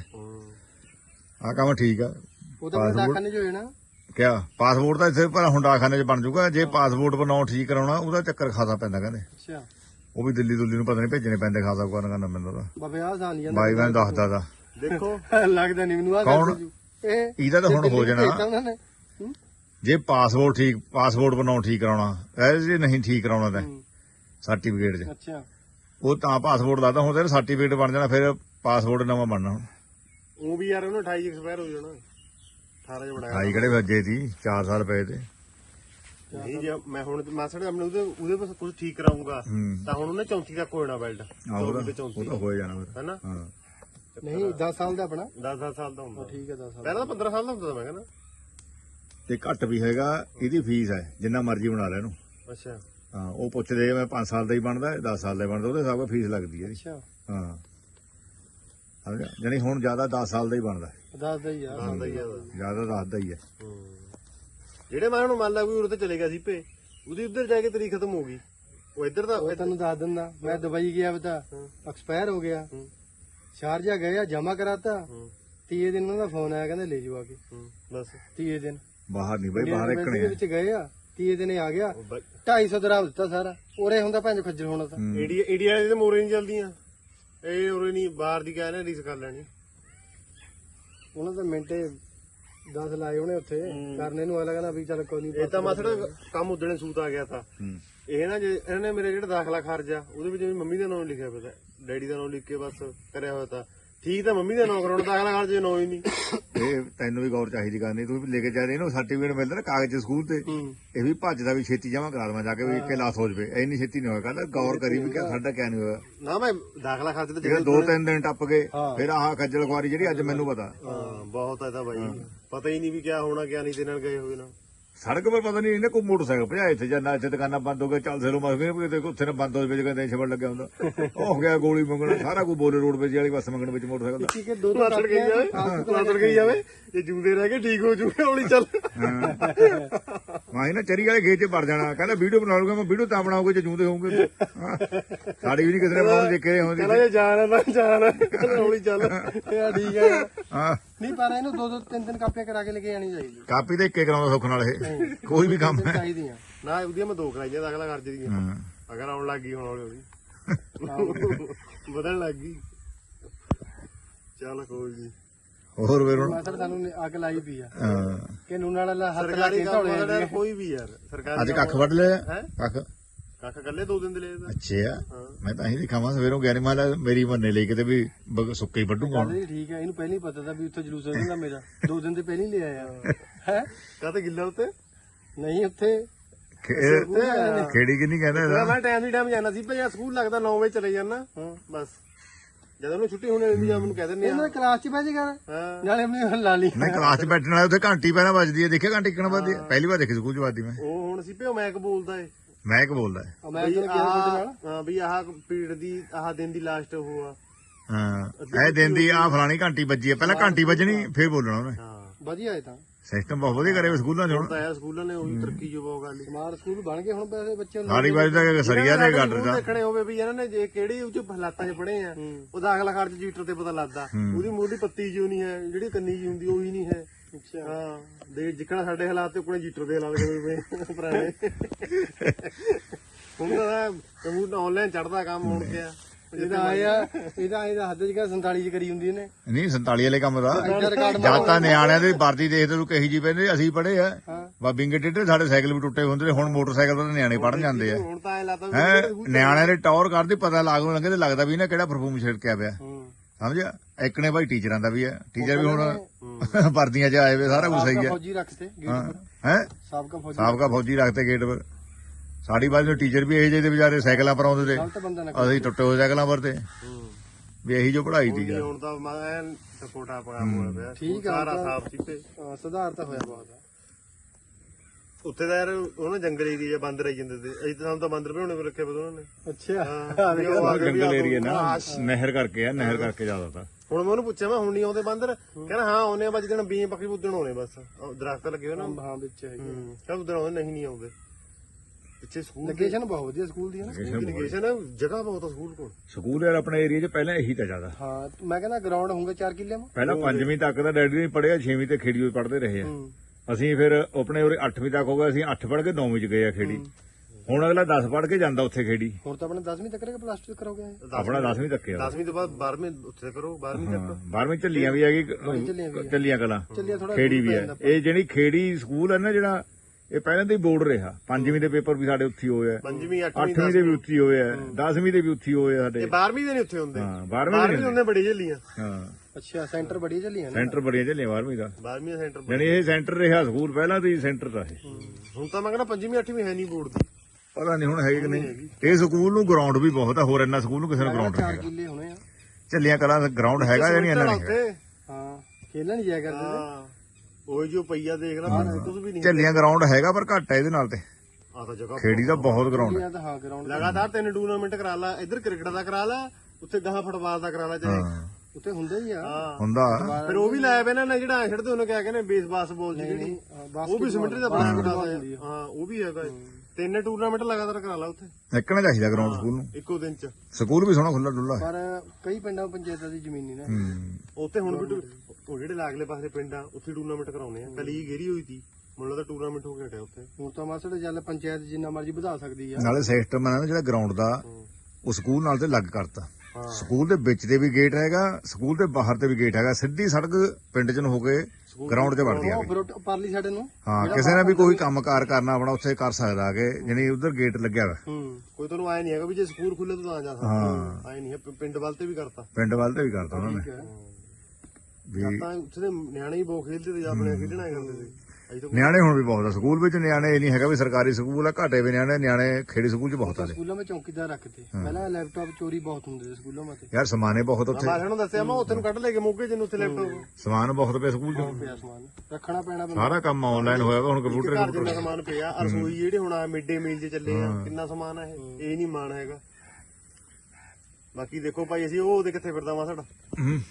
ਆ ਕੰਮ ਠੀਕ ਆ
ਉਹ ਤਾਂ ਡਾਕਖਾਨੇ ਚ ਹੋਏ ਨਾ
ਕਿਆ ਪਾਸਪੋਰਟ ਤਾਂ ਇੱਥੇ ਪਰ ਹੁਣ ਡਾਕਖਾਨੇ 'ਚ ਬਣ ਜਾਊਗਾ ਜੇ ਪਾਸਪੋਰਟ ਬਣਾਉਣ ਠੀਕ ਕਰਾਉਣਾ ਉਹਦਾ ਚੱਕਰ ਖਾਸਾ ਪੈਂਦਾ ਕਹਿੰਦੇ
ਅੱਛਾ
ਉਹ ਵੀ ਦਿੱਲੀ ਦੁੱਲੀ ਨੂੰ ਪਤਾ ਨਹੀਂ ਭੇਜਣੇ ਪੈਂਦੇ ਖਾਸਾ ਕਰਨ ਕਰਨਾ ਪੈਂਦਾ ਉਹਦਾ
ਬਾਬੇ ਆ ਸਾਨ ਜਾਂਦਾ
ਬਾਈ ਮੈਂ ਦੱਸਦਾ ਦਾ
ਦੇਖੋ
ਲੱਗਦਾ ਨਹੀਂ ਮੈਨੂੰ ਆ
ਕੌਣ?
ਇਹ
ਇਹਦਾ ਤਾਂ ਹੁਣ ਹੋ ਜਾਣਾ
ਉਹਨਾਂ ਨੇ ਹੂੰ?
ਜੇ ਪਾਸਪੋਰਟ ਠੀਕ ਪਾਸਪੋਰਟ ਬਣਾਉਣ ਠੀਕ ਕਰਾਉਣਾ ਇਹ ਜੇ ਨਹੀਂ ਠੀਕ ਕਰਾਉਣਾ ਤਾਂ ਸਰਟੀਫਿਕੇਟ 'ਚ
ਅੱਛਾ
ਉਹ ਤਾਂ ਪਾਸਪੋਰਟ ਦਾ ਤਾਂ ਹੁਣ ਤੇਰਾ ਸਰਟੀਫਿਕੇਟ ਬਣ ਜਾਣਾ ਫਿਰ ਪਾਸਪੋਰਟ ਨਵਾਂ ਬਣਨਾ ਹੁਣ
ਉਹ ਵੀ ਯਾਰ ਉਹਨੂੰ ਅਠਾਈ ਐਕਸਪਾਇਰ ਹੋ ਜਾਣਾ ਅਠਾਰਾਂ ਚ ਬਣਾਇਆ
ਆਈ ਕਿਹੜੇ ਵੱਜੇ ਸੀ ਚਾਰ ਸਾਲ ਪਏ ਤੇ
ਨਹੀਂ ਜੇ ਮੈਂ ਹੁਣ ਮਾਸੜ ਆਪਣੇ ਉਹਦੇ ਉਹਦੇ ਬਸ ਕੁਝ ਠੀਕ ਕਰਾਉਂਗਾ
ਹੂੰ
ਤਾਂ ਹੁਣ ਉਹਨੇ ਚੌਂਤੀ ਤੱਕ ਹੋ ਜਾਣਾ ਬੈਲਟ
ਆਹ ਉਹਦਾ
ਤੇ
ਉਹ
ਚੌਂਤੀ
ਤਾਂ ਹੋ ਜਾਣਾ ਫਿਰ
ਹੈਨਾ
ਹਾਂ
ਨਹੀਂ ਦਸ ਸਾਲ ਦਾ ਆਪਣਾ
ਦਸ ਦਸ ਸਾਲ ਦਾ ਹੁੰਦਾ
ਠੀਕ ਹੈ ਦਸ ਸਾਲ
ਪਹਿਲਾਂ ਤਾਂ ਪੰਦਰਾਂ ਸਾਲ ਦਾ ਹੁੰਦਾ ਮੈਂ ਕਹਿੰਦਾ
ਤੇ ਘੱਟ ਵੀ ਹੈਗਾ ਇਹਦੀ ਫੀਸ ਹੈ ਜਿੰਨਾ ਮਰਜ਼ੀ ਬਣਾ ਲੈ ਇਹਨੂੰ
ਅੱਛਾ
ਹਾਂ ਉਹ ਪੁੱਛਦੇ ਮੈਂ ਪੰਜ ਸਾਲ ਦਾ ਹੀ ਬਣਦਾ ਦਸ ਸਾਲ ਦਾ ਹੀ ਬਣਦਾ ਉਹਦੇ ਹਿਸਾਬ ਨਾਲ ਫੀਸ ਲੱਗਦੀ ਹੈ
ਅੱਛਾ
ਹਾਂ ਸਮਝਿਆ ਜਾਨੀ ਹੁਣ ਜ਼ਿਆਦਾ ਦਸ ਸਾਲ ਦਾ ਹੀ ਬਣਦਾ
ਦਸ ਦਾ ਹੀ ਆ
ਹੁੰਦਾ ਹੀ ਆ
ਜ਼ਿਆਦਾ ਦਸ ਦਾ ਹੀ ਹੈ
ਹੂੰ। ਜਿਹੜੇ ਮੈਂ ਹੁਣ ਮੰਨ ਲਾ ਕੋਈ ਉਰੇ ਤੇ ਚਲੇ ਗਿਆ ਸੀ ਭੇ ਉਹਦੀ ਉੱਧਰ ਜਾ ਕੇ ਤਰੀਕ ਖਤਮ ਹੋ ਗਈ ਉਹ ਇੱਧਰ ਦਾ
ਉਹ ਤੈਨੂੰ ਦੱਸ ਦਿੰਦਾ ਮੈਂ ਦੁਬਈ ਗਿਆ ਬਤਾ ਐਕਸਪਾਇਰ ਹੋ ਗਿਆ
ਹੂੰ।
ਸ਼ਾਰਜਾ ਗਏ ਜਮਾ ਕਰਾਤਾ
ਹੂੰ।
ਤੀਏ ਦਿਨ ਉਹਨਾਂ ਦਾ ਫੋਨ ਆਇਆ ਕਹਿੰਦੇ ਲੈ ਜਾਓ ਆ ਕੇ
ਹੂੰ, ਬਸ
ਤੀਏ ਦਿਨ
ਬਾਹਰ ਨਹੀਂ ਬਈ ਬਾਹਰ
Embassy
ਇੱਕਣੇ
ਦੇ ਵਿੱਚ ਗਏ ਆ ਤੀਏ ਦਿਨ ਇਹ ਆ ਗਿਆ
ਉਹ ਬਾਈ-
ਢਾਈ ਸੌ ਦਰਾਮ ਦਿੱਤਾ ਸਾਰਾ ਉਰੇ ਹੁੰਦਾ ਭੈਣ ਚੋ ਖੱਜਲ ਹੋਣਾ ਤਾਂ
ਏਡੀਆ ਏਡੀਆ ਵਾਲੇ ਤੇ ਮੋਰੇ ਨਹੀਂ ਚੱਲਦੀਆਂ ਇਹ ਉਰੇ ਨਹੀਂ ਬਾਹਰ ਦੀ ਕਹਿ ਰਹੇ ਰੀਸ ਕਰ ਲੈਣੀ
ਉਹਨਾਂ ਦਾ ਮਿੰਟੇ ਦਸ ਲਾਏ ਉਹਨੇ ਉੱਥੇ ਕਰਨੇ ਨੂੰ ਅਗਲਾ ਕਹਿੰਦਾ ਵੀ ਚੱਲ ਕੋਈ ਨਹੀਂ
ਇਹ ਤਾਂ ਮਾਸੜ ਕੰਮ ਉਦਣੇ ਸੂਤ ਆ ਗਿਆ ਤਾਂ
ਹੂੰ
ਇਹ ਨਾ ਜੇ ਇਹਨਾਂ ਨੇ ਮੇਰੇ ਜਿਹੜਾ ਦਾਖਲਾ ਖਰਚ ਆ ਉਹਦੇ ਵਿੱਚ ਵੀ ਮੰਮੀ ਦਾ ਨਾਮ ਲਿਖਿਆ ਪਿਆ ਤਾ। ਡੈਡੀ ਦਾ ਨਾਮ ਲਿਖ ਕੇ ਬਸ ਕਰਿਆ ਹੋਇਆ ਤਾਂ ਠੀਕ ਤਾਂ ਮੰਮੀ ਦਾ ਨਾਮ ਕਰਾਉਣਾ ਦਾਖਲਾ ਖਰਚ ਜੇ ਨਾਮ ਹੀ ਨਹੀਂ
ਇਹ ਤੈਨੂੰ ਵੀ ਗੌਰ ਚਾਹੀਦੀ ਕਰਨੀ ਤੂੰ ਵੀ ਲੈ ਕੇ ਜਾ ਰਹੀ ਇਹਨੂੰ ਸਰਟੀਫਿਕੇਟ ਮਿਲਦਾ ਨਾ ਕਾਗਜ਼ ਸਕੂਲ ਤੇ ਇਹ ਵੀ ਭੱਜਦਾ ਵੀ ਛੇਤੀ ਜਮਾ ਕਰਾ ਦਵਾਂ ਜਾ ਕੇ ਵੀ ਇੱਕੇ ਲਾਸ ਹੋ ਜਵੇ ਐਨੀ ਛੇਤੀ ਨਹੀਂ ਹੋਇਆ ਕਹਿੰਦਾ ਗੌਰ ਕਰੀ ਵੀ ਕਿਆ ਸਾਡਾ ਕਿਆ ਨਹੀਂ ਹੋਇਆ
ਨਾ ਮੈਂ ਦਾਖਲਾ ਖਰਚ ਤੇ
ਜਿਹੜੇ ਦੋ ਤਿੰਨ ਦਿਨ ਟੱਪ ਗਏ ਫਿਰ ਆਹ ਖੱਜਲ ਖੁਆਰੀ ਜਿਹੜੀ ਅੱਜ ਮੈਨੂੰ ਪਤਾ
ਹਾਂ ਬਹੁਤ ਹੈ ਤਾਂ ਬਾਈ ਪਤਾ ਹੀ ਨਹੀਂ ਵੀ ਕਿਆ ਹੋਣਾ ਕਿਆ ਨਹੀਂ ਤੇ ਨਾਲ ਗਏ ਹੋਏ ਨਾ
ਸੜਕ 'ਤੇ ਪਤਾ ਨਹੀਂ ਇਹਨੇ ਕੋਈ ਮੋਟਰਸਾਈਕਲ ਭਜਾਇਆ ਇੱਥੇ ਜਾਂ ਨਾ ਇੱਥੇ ਦੁਕਾਨਾਂ ਬੰਦ ਹੋ ਗਏ ਚੱਲ ਸੇ ਲੋ ਮਸਗੇ ਕਿਤੇ ਉੱਥੇ ਨਾ ਬੰਦ ਹੋ ਜਵੇ ਕਹਿੰਦੇ ਛਵੜ ਲੱਗਿਆ ਹੁੰਦਾ ਉਹ ਹੋ ਗਿਆ ਗੋਲੀ ਮੰਗਣ ਸਾਰਾ ਕੋਈ ਬੋਲੇ ਰੋਡ ਵਿੱਚ ਵਾਲੀ ਬੱਸ ਮੰਗਣ ਵਿੱਚ ਮੋਟਰਸਾਈਕਲ ਦਾ
ਠੀਕ ਹੈ ਦੋ ਦੋ
ਲਾਤੜ ਗਈ ਜਾਵੇ ਲਾਤੜ ਗਈ ਜਾਵੇ ਜੇ ਜੂਦੇ ਰਹਿ ਕੇ ਠੀਕ ਹੋ ਜੂਗੇ ਹੌਲੀ ਚੱਲ
ਮਾਹੀ ਨਾ ਚਰੀ ਵਾਲੇ ਖੇਤ 'ਚ ਵੜ ਜਾਣਾ ਕਹਿੰਦਾ ਵੀਡੀਓ ਬਣਾ ਲੂਗਾ ਮੈਂ ਵੀਡੀਓ ਤਾਂ ਬਣਾਉਂਗਾ ਜੇ ਜੂਦੇ ਹੋਊਗੇ ਸਾਡੀ ਵੀ ਨਹੀਂ ਕਿਸੇ ਨੇ ਬਣਾਉਣ ਦੇਖੇ ਹੁੰਦੀ
ਕਹਿੰਦਾ ਜੇ ਜਾਣ ਨਾ ਜਾਣ ਕਹਿੰਦਾ ਹੌਲੀ ਚੱਲ
ਇਹ ਠੀਕ ਹੈ
ਹਾਂ
ਨਹੀਂ ਪਰ ਇਹਨੂੰ ਦੋ ਦੋ ਤਿੰਨ ਤਿੰਨ ਕਾਪੀਆਂ ਕਰਾ ਕੇ ਲੈ ਕੇ ਆਣੀ ਚਾਹੀਦੀ
ਕਾਪੀ ਤੇ ਇੱਕੇ ਕਰਾਉਂਦਾ ਸੁੱਖ ਨਾਲ ਇਹ ਕੋਈ ਵੀ ਕੰਮ ਹੈ
ਚਾਹੀਦੀਆਂ
ਨਾ ਉਹਦੀਆਂ ਮੈਂ ਦੋ ਕਰਾਈਆਂ ਦਾਖਲਾ ਖਰਚ ਦੀਆਂ
ਹਾਂ
ਅਗਰ ਆਉਣ ਲੱਗ ਗਈ ਹੁਣ ਹੌਲੀ ਹੌਲੀ ਵਧਣ ਲੱਗ ਗਈ ਚੱਲ ਕੋਈ ਨਹੀਂ
ਹੋਰ ਫਿਰ ਹੁਣ
ਮਾਸੜ ਸਾਨੂੰ ਨੇ ਅੱਗ ਲਾਈ ਪਈ ਆ
ਹਾਂ।
ਕਿ ਨੂਨਾਂ ਵਾਲਾ ਹੱਥ ਲਾ
ਸਰਕਾਰੀ
ਕੇ
ਕੰਮ
ਧੌਲੇ
ਵਾਲਾ
ਜਾਂਦੇ ਆ।
ਕੋਈ ਵੀ ਯਾਰ ਸਰਕਾਰੀ
ਅੱਜ ਕੱਖ ਵੱਢ ਲਿਆ
ਹੈ
ਕੱਖ
ਕੱਖ ਕੱਲੇ ਦੋ ਦਿਨ ਦੇ ਲਏ ਤਾਂ।
ਅੱਛਾ
ਹਾਂ।
ਮੈਂ ਤਾਂ ਹੀ ਦੇਖਾਵਾਂ ਸਵੇਰੋਂ ਗਿਆ ਨੀ ਮੈਂ ਕਿਹਾ ਮੇਰੀ ਮੰਨੇ ਲਈ ਕਿਤੇ ਵੀ ਬ- ਸੁੱਕੇ ਹੀ ਵੱਢੂਗਾ
ਗੱਲ
ਹੁਣ
ਨਹੀਂ ਠੀਕ ਹੈ ਇਹਨੂੰ ਪਹਿਲਾਂ ਹੀ ਪਤਾ ਤਾਂ ਵੀ ਉੱਥੇ ਜਲੂਸ ਹੋਊਗਾ ਮੇਰਾ ਦੋ ਦਿਨ ਤੇ ਪਹਿਲਾਂ ਹੀ ਲੈ ਆਇਆ ਹੈ
ਕਾਹਤੇ ਗਿੱਲਾ ਉੱਤੇ
ਨਹੀਂ ਉੱਥੇ
ਖੇ- ਖੇੜੀ ਕਿ ਨਹੀਂ ਕਹਿੰਦਾ
ਮੈਂ
ਇਹਦਾ?
ਮੈਂ ਟਾਈਮ ਦੀ ਟਾਈਮ ਜਾਣਾ ਸੀ ਭਈਆ ਸਕੂਲ ਲੱਗਦਾ ਨੌ ਵਜੇ ਚਲੇ ਜਾਣਾ
ਹਾਂ
ਬਸ ਜਦੋਂ ਉਹਨੂੰ ਛੁੱਟੀ ਹੋਣੇ ਹੁੰਦੀ ਆ ਮੈਨੂੰ ਕਹਿ ਦਿੰਦੇ ਆ
ਇਹਨਾਂ ਕਲਾਸ ਚ ਬਹਿ ਜੇ ਕਰ
ਹਾਂ
ਨਾਲੇ ਆਪਣੀ ਲਾ ਲਈ
ਨਹੀਂ ਕਲਾਸ 'ਚ ਬੈਠਣ ਵਾਲੇ ਉੱਥੇ ਘੰਟੀ ਪਹਿਲਾਂ ਵੱਜਦੀ ਹੈ ਦੇਖਿਆ ਘੰਟੀ ਕਿੰਨਾ ਵੱਜਦੀ ਹੈ ਪਹਿਲੀ ਵਾਰ ਦੇਖੀ ਸਕੂਲ 'ਚ ਵੱਜਦੀ ਮੈਂ
ਉਹ ਹੁਣ ਸੀ ਭਿਓ ਮੈਕ ਬੋਲਦਾ ਏ
ਮੈਂ ਇੱਕ ਬੋਲਦਾ ਹੈ।
ਮੈਂ
ਵੀ
ਜਦੋਂ ਗਿਆ ਤੁਹਾਡੇ ਨਾਲ
ਆਹ ਹਾਂ ਵੀ ਆਹ ਪੀੜ ਦੀ ਆਹ ਦਿਨ ਦੀ ਲਾਸਟ ਉਹ ਆ
ਹਾਂ ਇਹ ਦਿਨ ਦੀ ਆ ਫਲਾਣੀ ਘੰਟੀ ਵੱਜੀ ਹੈ ਪਹਿਲਾਂ ਘੰਟੀ ਵੱਜਣੀ ਫਿਰ ਬੋਲਣਾ ਉਹਨੇ
ਹਾਂ
ਵਧੀਆ ਹੈ ਤਾਂ
ਸਿਸਟਮ ਬਹੁਤ ਵਧੀਆ ਕਰੇ ਹੋਏ ਸਕੂਲਾਂ 'ਚ ਹੁਣ
ਤਾਂ ਆ ਸਕੂਲਾਂ ਨੇ ਉਹੀ ਤਰੱਕੀ ਜੋ ਬਹੁਤ ਗੱਲ
ਸਮਾਰਟ ਸਕੂਲ ਬਣ ਗਏ ਹੁਣ ਵੈਸੇ ਬੱਚਿਆਂ ਨੂੰ
ਸਾਰੀ ਵਾਰੀ ਤਾਂ ਸਰੀਆ ਦੇ ਗਾਡਰ ਦਾ
ਦੇਖਣੇ ਹੋਵੇ ਵੀ ਇਹਨਾਂ ਨੇ ਜੇ ਕਿਹੜੀ ਉੱਚ ਹਾਲਾਤਾਂ 'ਚ ਪੜੇ ਆ ਉਹ ਦਾਖਲਾ ਖਰਚ ਜੀਟਰ ਤੇ ਪਤਾ ਲੱਗਦਾ ਉਹਦੀ ਮੂੰਹ ਦੀ ਪੱਤੀ ਜਿਉ ਨਹੀਂ ਹੈ ਜਿਹੜੀ ਕੰਨੀ ਜੀ ਹੁੰਦੀ ਉਹੀ ਨਹੀਂ ਹੈ
ਅੱਛਾ
ਹਾਂ ਦੇ ਜਿੱਕਣਾ ਸਾਡੇ ਹਾਲਾਤ ਤੇ ਕੋਲੇ ਜੀਟਰ ਦੇ ਹਾਲਾਤ ਹੋਏ ਪਏ ਪੁਰਾਣੇ ਹੁਣ ਤਾਂ ਕੰਪਿਊਟਰ ਆਨਲਾਈਨ ਚੜਦਾ ਕੰਮ ਹੁਣ ਕਿਆ
ਇਹਦਾ ਆਇਆ ਇਹਦਾ ਇਹਦਾ ਹੱਦ ਚ ਸੰਤਾਲੀ ਚ ਕਰੀ ਹੁੰਦੀ ਇਹਨੇ
ਨਹੀਂ ਸੰਤਾਲੀ ਵਾਲੇ ਕੰਮ ਦਾ
ਇੱਧਰ ਰਿਕਾਰਡ
ਜਾਂ ਤਾਂ ਨਿਆਣਿਆਂ ਦੀ ਵਰਦੀ ਦੇਖਦੇ ਨੂੰ ਕਹੀ ਜੀ ਪੈਂਦੇ ਅਸੀਂ ਪੜ੍ਹੇ ਆ
ਹਾਂ
ਬਾ ਬਿੰਗੇ ਟੇਢੇ ਸਾਡੇ ਸਾਈਕਲ ਵੀ ਟੁੱਟੇ ਹੁੰਦੇ ਨੇ ਹੁਣ ਮੋਟਰਸਾਈਕਲ ਤੇ ਨਿਆਣੇ ਪੜਨ ਜਾਂਦੇ ਆ
ਹੁਣ ਤਾਂ ਐ ਲੱਗਦਾ
ਹੈ ਨਿਆਣਿਆਂ ਦੇ ਟੌਰ ਕਰਦੇ ਪਤਾ ਲੱਗਣ ਲੱਗੇ ਤੇ ਲੱਗਦਾ ਵੀ ਇਹਨੇ ਕਿਹੜਾ ਪਰਫਿਊਮ ਛਿੜਕਿਆ ਪਿਆ
ਹੂੰ
ਸਮਝਿਆ ਇੱਕ ਨੇ ਭਾਈ ਟੀਚਰਾਂ ਦਾ ਵੀ ਹੈ ਟੀਚਰ ਵੀ ਹੁਣ ਵਰਦੀਆਂ 'ਚ ਆਏ ਵੇ ਸਾਰਾ ਕੁਝ ਸਹੀ ਹੈ
ਫੌਜੀ ਰੱਖਤੇ ਗੇਟ
ਹਾਂ
ਪਰ
ਹੈ
ਸਾਬਕਾ ਫੌਜੀ
ਸਾਬਕਾ ਫੌਜੀ ਰੱਖਤੇ ਗੇਟ ਪਰ ਸਾਡੀ ਬਾਜ ਦੇ ਟੀਚਰ ਵੀ ਇਹ ਜਿਹੇ ਦੇ ਵਿਚਾਰੇ ਸਾਈਕਲਾਂ ਪਰ ਆਉਂਦੇ ਤੇ
ਗਲਤ ਬੰਦਾ ਨਾ
ਅਸੀਂ ਟੁੱਟੇ ਹੋਏ ਸਾਈਕਲਾਂ ਪਰ ਤੇ ਵੀ ਇਹੀ ਜੋ ਪੜ੍ਹਾਈ ਦੀ
ਹੁਣ ਤਾਂ ਮੈਂ ਸਪੋਰਟਾ ਪਾ ਹੋਇਆ ਪਿਆ
ਠੀਕ ਆ,
ਸਾਰਾ
ਤਾਂ-
ਸਾਫ ਚਿੱਟੇ
ਹਾਂ, ਸੁਧਾਰ ਤਾਂ ਹੋਇਆ ਬਹੁਤ
ਉੱਥੇ ਦਾ ਯਾਰ ਉਹਨਾਂ ਜੰਗਲ ਏਰੀਆ ਬੰਦ ਰਹੀ ਜਾਂਦੇ ਤੇ ਅਸੀਂ ਤਾਂ ਸਾਨੂੰ ਤਾਂ ਬੰਦਰ ਭਿਉਣੇ ਪਰ ਰੱਖੇ ਪਤਾ ਉਹਨਾਂ ਨੇ
ਅੱਛਾ
ਹਾਂ, ਵੀ ਉਹ ਆ ਗਏ ਵੀ
ਜੰਗਲ
ਆਹ
ਏਰੀਆ ਨਾ ਨਹਿਰ ਕਰਕੇ ਆ ਨਹਿਰ ਕਰਕੇ ਜ਼ਿਆਦਾ ਤਾਂ
ਹੁਣ ਮੈਂ ਉਹਨੂੰ ਪੁੱਛਿਆ ਮੈਂ ਹੁਣ ਨਹੀਂ ਆਉਂਦੇ ਬੰਦਰ ਕਹਿੰਦਾ ਹਾਂ ਆਉਨੇ ਆ ਬਸ ਜਦੋਂ ਬੀਂ ਪੱਕੀ ਉਦਣ ਆਉਣੇ ਬਸ ਉਹ ਦਰਖਤ ਲੱਗੇ ਹੋਏ ਨਾ
ਹਾਂ ਵਿੱਚ ਹੈਗੀ
ਹੂੰ ਕਹਿੰਦਾ ਉਦਣ ਆਉਂਦੇ ਨਹੀਂ ਨਹੀਂ ਆਉਂਦੇ ਪਿੱਛੇ ਸਕੂਲ
ਲੋਕੇਸ਼ਨ ਬਹੁਤ ਵਧੀਆ ਸਕੂਲ ਦੀ ਹੈ ਨਾ
ਇਰੀਗੇਸ਼ਨ ਜਗ੍ਹਾ ਬਹੁਤ ਆ ਸਕੂਲ ਕੋਲ
ਸਕੂਲ ਯਾਰ ਆਪਣੇ ਏਰੀਆ 'ਚ ਪਹਿਲਾਂ ਇਹੀ ਤਾਂ ਜ਼ਿਆਦਾ
ਹਾਂ ਮੈਂ ਕਹਿੰਦਾ ਗਰਾਊਂਡ ਹੋਊਗਾ ਚਾਰ ਕਿੱਲੇ ਮਾ
ਪਹਿਲਾਂ ਪੰਜਵੀਂ ਤੱਕ ਦਾ ਡੈਡੀ ਨੇ ਪੜ੍ਹਿਆ ਛੇਵੀਂ ਤੇ ਖੇੜੀ ਹੋਈ ਪੜ੍ਹਦੇ ਰਹੇ ਆ
ਹੂੰ
ਅਸੀਂ ਫਿਰ ਆਪਣੇ ਉਰੇ ਅੱਠਵੀਂ ਤੱਕ ਹੋ ਗਏ ਅਸੀਂ ਅੱਠ ਪੜ੍ਹ ਕੇ ਨੌਵੀਂ 'ਚ ਗਏ ਆ ਖੇੜੀ ਹੁਣ ਅਗਲਾ ਦਸ ਪੜ੍ਹ ਕੇ ਜਾਂਦਾ ਉੱਥੇ ਖੇੜੀ
ਹੁਣ ਤਾਂ ਆਪਣੇ ਦਸਵੀਂ ਤੱਕ ਪਲੱਸ ਟੂ ਕਰੋਗੇ
ਆਪਣਾ ਦਸਵੀਂ ਤੱਕ ਆ
ਦਸਵੀਂ ਤੋਂ ਬਾਅਦ ਬਾਰਵੀਂ ਉੱਥੇ ਕਰੋ ਬਾਰਵੀਂ ਤੱਕ
ਬਾਰਵੀਂ ਝੱਲੀਆਂ ਵੀ ਹੈਗੀ
ਝੱਲੀਆਂ ਵੀ
ਝੱਲੀਆਂ ਕਲਾਂ
ਚੱਲਿਆ ਥੋੜਾ
ਖੇੜੀ ਵੀ ਹੈ ਇਹ ਜਿਹੜੀ ਖੇੜੀ ਸਕੂਲ ਹੈ ਨਾ ਜਿਹੜਾ ਇਹ ਪਹਿਲਾਂ ਤੋਂ ਹੀ ਬੋਰਡ ਰਿਹਾ ਪੰਜਵੀਂ ਦੇ ਪੇਪਰ ਵੀ ਸਾਡੇ ਉੱਥੇ ਹੀ ਹੋਏ ਆ
ਪੰਜਵੀਂ ਅੱਠਵੀਂ
ਅੱਠਵੀਂ ਦੇ ਵੀ ਉੱਥੇ ਹੀ ਹੋਏ ਆ ਦਸਵੀਂ ਦੇ ਵੀ ਉੱਥੇ ਹੀ ਹੋਏ ਆ ਸਾਡੇ
ਇਹ ਬਾਰਵੀਂ ਦੇ ਨਹੀਂ ਉੱਥੇ ਹੁੰਦੇ
ਹਾਂ ਬਾਰਵੀਂ
ਬਾਰਵੀਂ
ਦੇ
ਦੇ ਹੁੰਦੇ ਬੜੀ ਝੱਲੀਆਂ
ਹਾਂ
ਅੱਛਾ ਸੈਂਟਰ ਬੜੀ ਚੱਲੀਆਂ ਨੇ
ਸੈਂਟਰ ਬੜੀਆਂ ਝੱਲੀਆਂ ਬਾਰਵੀਂ ਦਾ
ਬਾਰਵੀਂ ਦਾ ਸੈਂਟਰ
ਜਾਣੀ ਇਹ ਸੈਂਟਰ ਰਿਹਾ ਸਕੂਲ ਪਹਿਲਾਂ ਤੋਂ ਹੀ ਸੈਂਟਰ ਦਾ ਇਹ
ਹੁਣ ਤਾਂ ਮੈਂ ਕਹਿੰਦਾ ਪੰਜਵੀਂ ਅੱਠਵੀਂ ਹੈ ਨਹੀਂ ਬੋਰਡ ਦੀ
ਪਤਾ ਨਹੀਂ ਹੁਣ ਹੈਗੇ ਕਿ ਨਹੀਂ ਇਹ ਸਕੂਲ ਨੂੰ ਗਰਾਊਂਡ ਵੀ ਬਹੁਤ ਆ ਹੋਰ ਇੰਨਾ ਸਕੂਲ ਨੂੰ ਕਿਸੇ ਨੂੰ ਗਰਾਊਂਡ
ਚਾਰ
ਹੈਗਾ
ਕਿੱਲੇ ਹੋਣੇ ਆ
ਝੱਲੀਆਂ ਕਲਾਂ ਦਾ ਗਰਾਊਂਡ ਹੈਗਾ ਜਾਂ ਨਹੀਂ ਇੰਨਾ ਨਹੀਂ ਹੈਗਾ
ਉੱਥੇ
ਹਾਂ ਖੇਲਣ ਨਹੀਂ ਜਾਇਆ ਕਰਦੇ
ਹਾਂ ਉਹ ਜੋ ਪਈਆ ਦੇਖ ਲਾ ਕੁਝ ਵੀ ਨਹੀਂ
ਝੱਲੀਆਂ ਗਰਾਊਂਡ ਹੈਗਾ ਪਰ ਘੱਟ ਹੈ ਇਹਦੇ ਨਾਲ ਤੇ
ਆ ਤਾਂ ਜਗ੍ਹਾ
ਖੇੜੀ ਦਾ ਬਹੁਤ ਗਰਾਊਂਡ ਹੈ
ਨੇ ਤਾਂ ਹਾਂ ਗਰਾਊਂਡ
ਲਗਾਤਾਰ ਤਿੰਨ ਟੂਰਨਾਮੈਂਟ ਕਰਾ ਲਾ ਇੱਧਰ ਕ੍ਰਿਕਟ ਦਾ ਕਰਾ ਲਾ ਉੱਥੇ ਗਾਹਾਂ ਫੁੱਟਬਾਲ ਦਾ ਕਰਾ ਲਾ ਚਾਹੇ
ਹਾਂ
ਉੱਤੇ ਹੁੰਦਾ ਹੀ ਆ
ਹਾਂ
ਹੁੰਦਾ
ਫਿਰ ਉਹ ਵੀ ਲਾਇਆ ਪਿਆ ਨਾ ਜਿਹੜਾ ਛੱਡਦੇ ਉਹਨੂੰ ਕਿਹਾ ਕਹਿੰਦੇ ਬੇਸ ਬਾਸਬਾਲ ਜੀ ਜਿਹੜੀ ਉਹ ਵੀ ਸਿਮਟਰੀ ਦਾ ਬਣਾ ਬਣਾ ਹਾਂ ਉਹ ਵੀ ਹੈਗਾ ਤਿੰਨ ਟੂਰਨਾਮੈਂਟ ਲਗਾਤਾਰ ਕਰਾ ਲਾ ਉੱਥੇ
ਨਿਕਲਣਾ ਚਾਹੀਦਾ ਗਰਾਊਂਡ ਸਕੂਲ ਨੂੰ
ਇੱਕੋ ਦਿਨ ਚ
ਸਕੂਲ ਵੀ ਸੋਹਣਾ ਖੁੱਲਾ ਡੁੱਲਾ ਹੈ
ਪਰ ਕਈ ਪਿੰਡਾਂ ਪੰਚਾਇਤਾਂ ਦੀ ਜ਼ਮੀਨ ਨਹੀਂ ਨਾ
ਹੂੰ
ਉੱਥੇ ਹੁਣ ਵੀ ਟੂ- ਉਹ ਜਿਹੜੇ ਲਾਗਲੇ ਪਾਸੇ ਪਿੰਡ ਆ ਉੱਥੇ ਟੂਰਨਾਮੈਂਟ ਕਰਾਉਣੇ ਆ ਪਹਿਲੀ ਹੀ ਗੇਰੀ ਹੋਈ ਸੀ ਮੁੱਲਾ ਦਾ ਟੂਰਨਾਮੈਂਟ ਹੋ ਕੇ ਹਟਿਆ ਉੱਥੇ
ਹੁਣ ਤਾਂ ਮਾਸੜ ਚੱਲ ਪੰਚਾਇਤ ਜਿੰਨਾ ਮਰਜ਼ੀ ਵਧਾ ਸਕਦੀ ਆ
ਨਾਲੇ ਸਿਸਟਮ ਹੈ ਨਾ ਜਿਹੜਾ ਗਰਾਊਂਡ ਦਾ ਉਹ ਸਕੂਲ ਨਾਲ ਤੇ ਲੱਗ ਕਰਤਾ
ਹਾਂ
ਸਕੂਲ ਦੇ ਵਿੱਚ ਤੇ ਵੀ ਗੇਟ ਹੈਗਾ ਸਕੂਲ ਦੇ ਬਾਹਰ ਤੇ ਵੀ ਗੇਟ ਹੈਗਾ ਸਿੱਧੀ ਸੜਕ ਪਿੰਡ ਚ ਨੂੰ ਹੋ ਕੇ ਗਰਾਊਂਡ 'ਚ ਵੜਦੀ ਆ
ਉਹ ਬਰੋਟ ਪਰਲੀ ਸਾਡੇ ਨੂੰ
ਹਾਂ ਕਿਸੇ ਨੇ ਵੀ ਕੋਈ ਕੰਮਕਾਰ ਕਰਨਾ ਆਪਣਾ ਉੱਥੇ ਕਰ ਸਕਦਾ ਆ ਕੇ ਜਾਨੀ ਉਧਰ ਗੇਟ ਲੱਗਿਆ ਹੋਇਆ
ਹੂੰ
ਕੋਈ ਤੁਹਾਨੂੰ ਆਏ ਨਹੀਂ ਹੈਗਾ ਵੀ ਜੇ ਸਕੂਲ ਖੁੱਲੇ ਤਾਂ ਤਾਂ ਜਾ ਸਕਦਾ
ਹਾਂ
ਆਏ ਨਹੀਂ ਹੈ ਪ- ਪਿੰਡ ਵੱਲ ਤੇ ਵੀ ਕਰਤਾ
ਪਿੰਡ ਵੱਲ ਤੇ ਵੀ ਕਰਤਾ ਉਹਨਾਂ ਨੇ
ਠੀਕ ਹੈ
ਵੀ
ਤਾਂ ਉੱਥੇ ਦੇ ਨਿਆਣੇ ਹੀ ਬਹੁਤ ਖੇਡਦੇ ਤੇ ਜਾਂ ਆਪਣੇ ਖੇਡਣਾ ਹੀ ਕਰਦੇ ਸੀ ਅਸੀਂ ਤਾਂ
ਨਿਆਣੇ ਹੁਣ ਵੀ ਬਹੁਤ ਆ ਸਕੂਲ ਵਿੱਚ ਨਿਆਣੇ ਇਹ ਨਹੀਂ ਹੈਗਾ ਵੀ ਸਰਕਾਰੀ ਸਕੂਲ ਆ ਘਾਟੇ ਵੀ ਨਿਆਣੇ ਨਿਆਣੇ ਖੇੜੀ ਸਕੂਲ 'ਚ ਬਹੁਤ ਆ ਨੇ
ਸਕੂਲਾਂ ਵਿੱਚ ਚੌਕੀਦਾਰ ਰੱਖਦੇ ਪਹਿਲਾਂ ਲੈਪਟਾਪ ਚੋਰੀ ਬਹੁਤ ਹੁੰਦੇ ਸੀ ਸਕੂਲਾਂ ਵਿੱਚ
ਯਾਰ ਸਮਾਨੇ ਬਹੁਤ ਉੱਥੇ
ਬਾਹਰ ਨੂੰ ਦੱਸਿਆ ਮੈਂ ਉੱਥੇ ਨੂੰ ਕੱਢ ਲੈ ਕੇ ਮੋਗੇ ਜਿਹਨੂੰ ਉੱਥੇ ਲੈਪਟਾਪ
ਸਮਾਨ ਬਹੁਤ ਪਿਆ ਸਕੂਲ 'ਚ
ਪਿਆ ਸਮਾਨ ਰੱਖਣਾ ਪੈਣਾ ਬੰਦਾ
ਸਾਰਾ ਕੰਮ ਆਨਲਾਈਨ ਹੋਇਆ ਵਾ ਹੁਣ ਕੰਪਿਊਟਰ
ਘਰ ਜਿੰਨਾ ਸਮਾਨ ਪਿਆ ਆਹ ਰਸੋਈ ਜਿਹੜੇ ਹੁਣ ਆ ਮਿਡ ਡੇ ਮੀਲ 'ਚ ਚੱਲੇ ਆ ਕਿੰਨਾ ਸਮਾਨ ਆ ਇਹ ਇਹ ਨਹੀਂ ਮਾਣ ਹੈਗਾ ਬਾਕੀ ਦੇਖੋ ਭਾਈ ਅਸੀਂ ਉਹ ਉਹਦੇ ਕਿੱਥੇ ਫਿਰਦਾ ਵਾ ਸਾਡਾ
ਹੂੰ।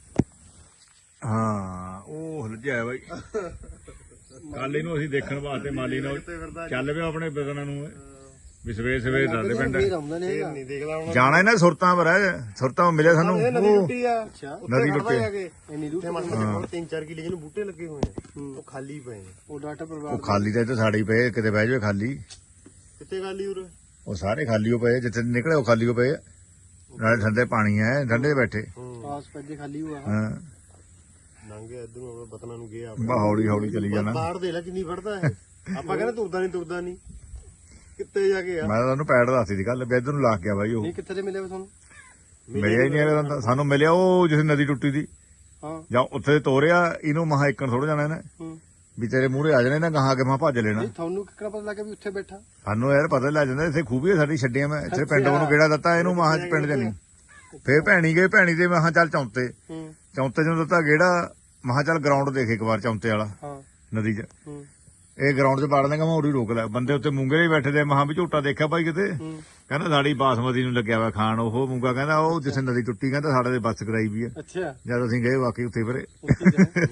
ਹਾਂ ਉਹ ਹਲਜਿਆ ਬਾਈ ਕੱਲ ਇਹਨੂੰ ਅਸੀਂ ਦੇਖਣ ਵਾਸਤੇ ਮਾਲੀ ਨਾਲ
ਕਿੱਥੇ ਫਿਰਦਾ
ਚੱਲ ਪਿਆ ਆਪਣੇ ਬਦਨਾਂ ਨੂੰ ਵੀ ਸਵੇਰ ਸਵੇਰ ਦੱਸਦੇ ਪਿੰਡ
ਫੇਰ ਆਉਂਦਾ ਨਹੀਂ
ਫੇਰ
ਹੈਗਾ
ਨਹੀਂ ਦੇਖਦਾ ਹੁਣ
ਜਾਣਾ ਇਹਨਾਂ ਸੁਰਤਾਂ ਪਰ ਹੈ ਸੁਰਤਾਂ ਮਿਲਿਆ ਸਾਨੂੰ
ਇਹ ਨਦੀ
ਉਹ
ਟੁੱਟੀ ਆ
ਅੱਛਾ
ਉੱਥੇ
ਨਦੀ
ਖੜਦਾ ਜਾ ਕੇ
ਇੰਨੀ ਦੂਰ
ਉੱਥੇ ਮਸਲ ਤਿੰਨ ਚਾਰ ਕਿਲੇ ਜਿਹਨੂੰ ਬੂਟੇ ਲੱਗੇ ਹੋਏ ਨੇ ਉਹ ਖਾਲੀ ਪਏ ਨੇ
ਉਹ ਡਾਟਾ
ਉਹ
ਪਰਿਵਾਰ
ਖਾਲੀ ਤਾਂ ਇੱਥੇ ਸਾਡੇ ਹੀ ਪਏ ਕਿਤੇ ਬਹਿ ਜਾਵੇ ਖਾਲੀ
ਕਿੱਥੇ ਖਾਲੀ ਉਰੇ
ਉਹ ਸਾਰੇ ਖਾਲੀ ਹੋ ਪਏ ਜਿੱਥੇ ਨਿਕਲੇ ਉਹ ਖਾਲੀ ਹੋ ਪਏ ਨਾਲੇ ਠੰਡੇ ਪਾਣੀ ਹੈ ਠੰਡੇ ਬੈਠੇ
ਪਾਸ ਪੈਦੇ ਖਾਲੀ ਹੋਆ
ਹਾਂ
ਲੰਘ ਗਿਆ ਇੱਧਰ ਨੂੰ ਬਤਨਾ ਨੂੰ ਗਿਆ
ਬਾ ਹੌਲੀ ਹੌਲੀ ਚਲੀ ਜਾਣਾ।
ਬਾਹਰ ਦੇ ਲੈ ਕਿੰਨੀ ਫੜਦਾ ਇਹ ਆਪਾਂ ਕਹਿੰਦੇ ਤੁਰਦਾ ਨਹੀਂ ਤੁਰਦਾ ਨਹੀਂ ਕਿੱਤੇ ਜਾ ਕੇ ਆ।
ਮੈਂ ਤਾਂ ਉਹਨੂੰ ਪੈੜ ਦੱਸੀ ਸੀ ਕੱਲ ਵੀ ਇੱਧਰ ਨੂੰ ਲੱਗ ਗਿਆ ਬਾਈ ਉਹ
ਨਹੀਂ ਕਿੱਥੇ ਤੇ ਮਿਲਿਆ ਤੁਹਾਨੂੰ?
ਮਿਲਿਆ ਹੀ ਨਹੀਂ ਹੈਗਾ ਤਾਂ ਸਾਨੂੰ ਮਿਲਿਆ ਉਹ ਜਿਸ ਨਦੀ ਟੁੱਟੀ ਦੀ
ਹਾਂ
ਜਾਂ ਉੱਥੇ ਤੋਰਿਆ ਇਹਨੂੰ ਮਹਾ ਇੱਕਣ ਥੋੜਾ ਜਾਣਾ ਇਹਨੇ
ਹੂੰ
ਵੀ ਤੇਰੇ ਮੂਹਰੇ ਆ ਜਾਣੇ ਨਾ ਗਾਹਾਂ ਕੇ ਮਹਾ ਭੱਜ ਲੈਣਾ।
ਨਹੀਂ ਤੁਹਾਨੂੰ ਕਿੱਕਣਾ ਪਤਾ ਲੱਗਿਆ ਵੀ ਉੱਥੇ ਬੈਠਾ?
ਸਾਨੂੰ ਯਾਰ ਪਤਾ ਲੱਗ ਜਾਂਦਾ ਇੱਥੇ ਖੂਬੀ ਸਾਡੀ ਛੱਡੀਆਂ ਮੈਂ ਇੱਥੇ ਪਿੰਡ ਉਹਨੂੰ ਕਿਹੜਾ ਦਿੱਤਾ ਇਹਨੂੰ ਮਹਾ ਚ ਪਿੰਡ ਜਾਨੀ ਫੇਰ ਭੈਣੀ ਗਏ ਭੈਣੀ ਦੇ ਮਹਾ ਚੱਲ ਚੌਂਤੇ
ਹੂੰ
ਚੌਂਤੇ ਨੂੰ ਦਿੱਤਾ ਗੇੜਾ ਮਹਾ ਚੱਲ ਗਰਾਊਂਡ ਦੇਖ ਇੱਕ ਵਾਰ ਚੌਂਤੇ ਵਾਲਾ
ਹਾਂ
ਨਦੀ 'ਚ
ਹੂੰ
ਇਹ ਗਰਾਊਂਡ 'ਚ ਵੜ ਦੇਗਾ ਮੈਂ ਉਰੀ ਰੋਕ ਲਿਆ ਬੰਦੇ ਉੱਤੇ ਮੂੰਗੇ ਹੀ ਬੈਠੇ ਦੇ ਮਹਾ ਵੀ ਝੋਟਾ ਦੇਖਿਆ ਬਾਈ ਕਿਤੇ
ਹੂੰ
ਕਹਿੰਦਾ ਸਾਡੀ ਬਾਸਮਤੀ ਨੂੰ ਲੱਗਿਆ ਵਾ ਖਾਣ ਉਹ ਮੂੰਗਾ ਕਹਿੰਦਾ ਉਹ ਜਿੱਥੇ ਨਦੀ ਟੁੱਟੀ ਕਹਿੰਦਾ ਸਾਡੇ ਦੇ ਬੱਸ ਕਰਾਈ ਵੀ ਆ
ਅੱਛਾ
ਜਦ ਅਸੀਂ ਗਏ ਵਾਕਈ ਉੱਥੇ ਫਿਰੇ
ਉੱਥੇ ਗਏ।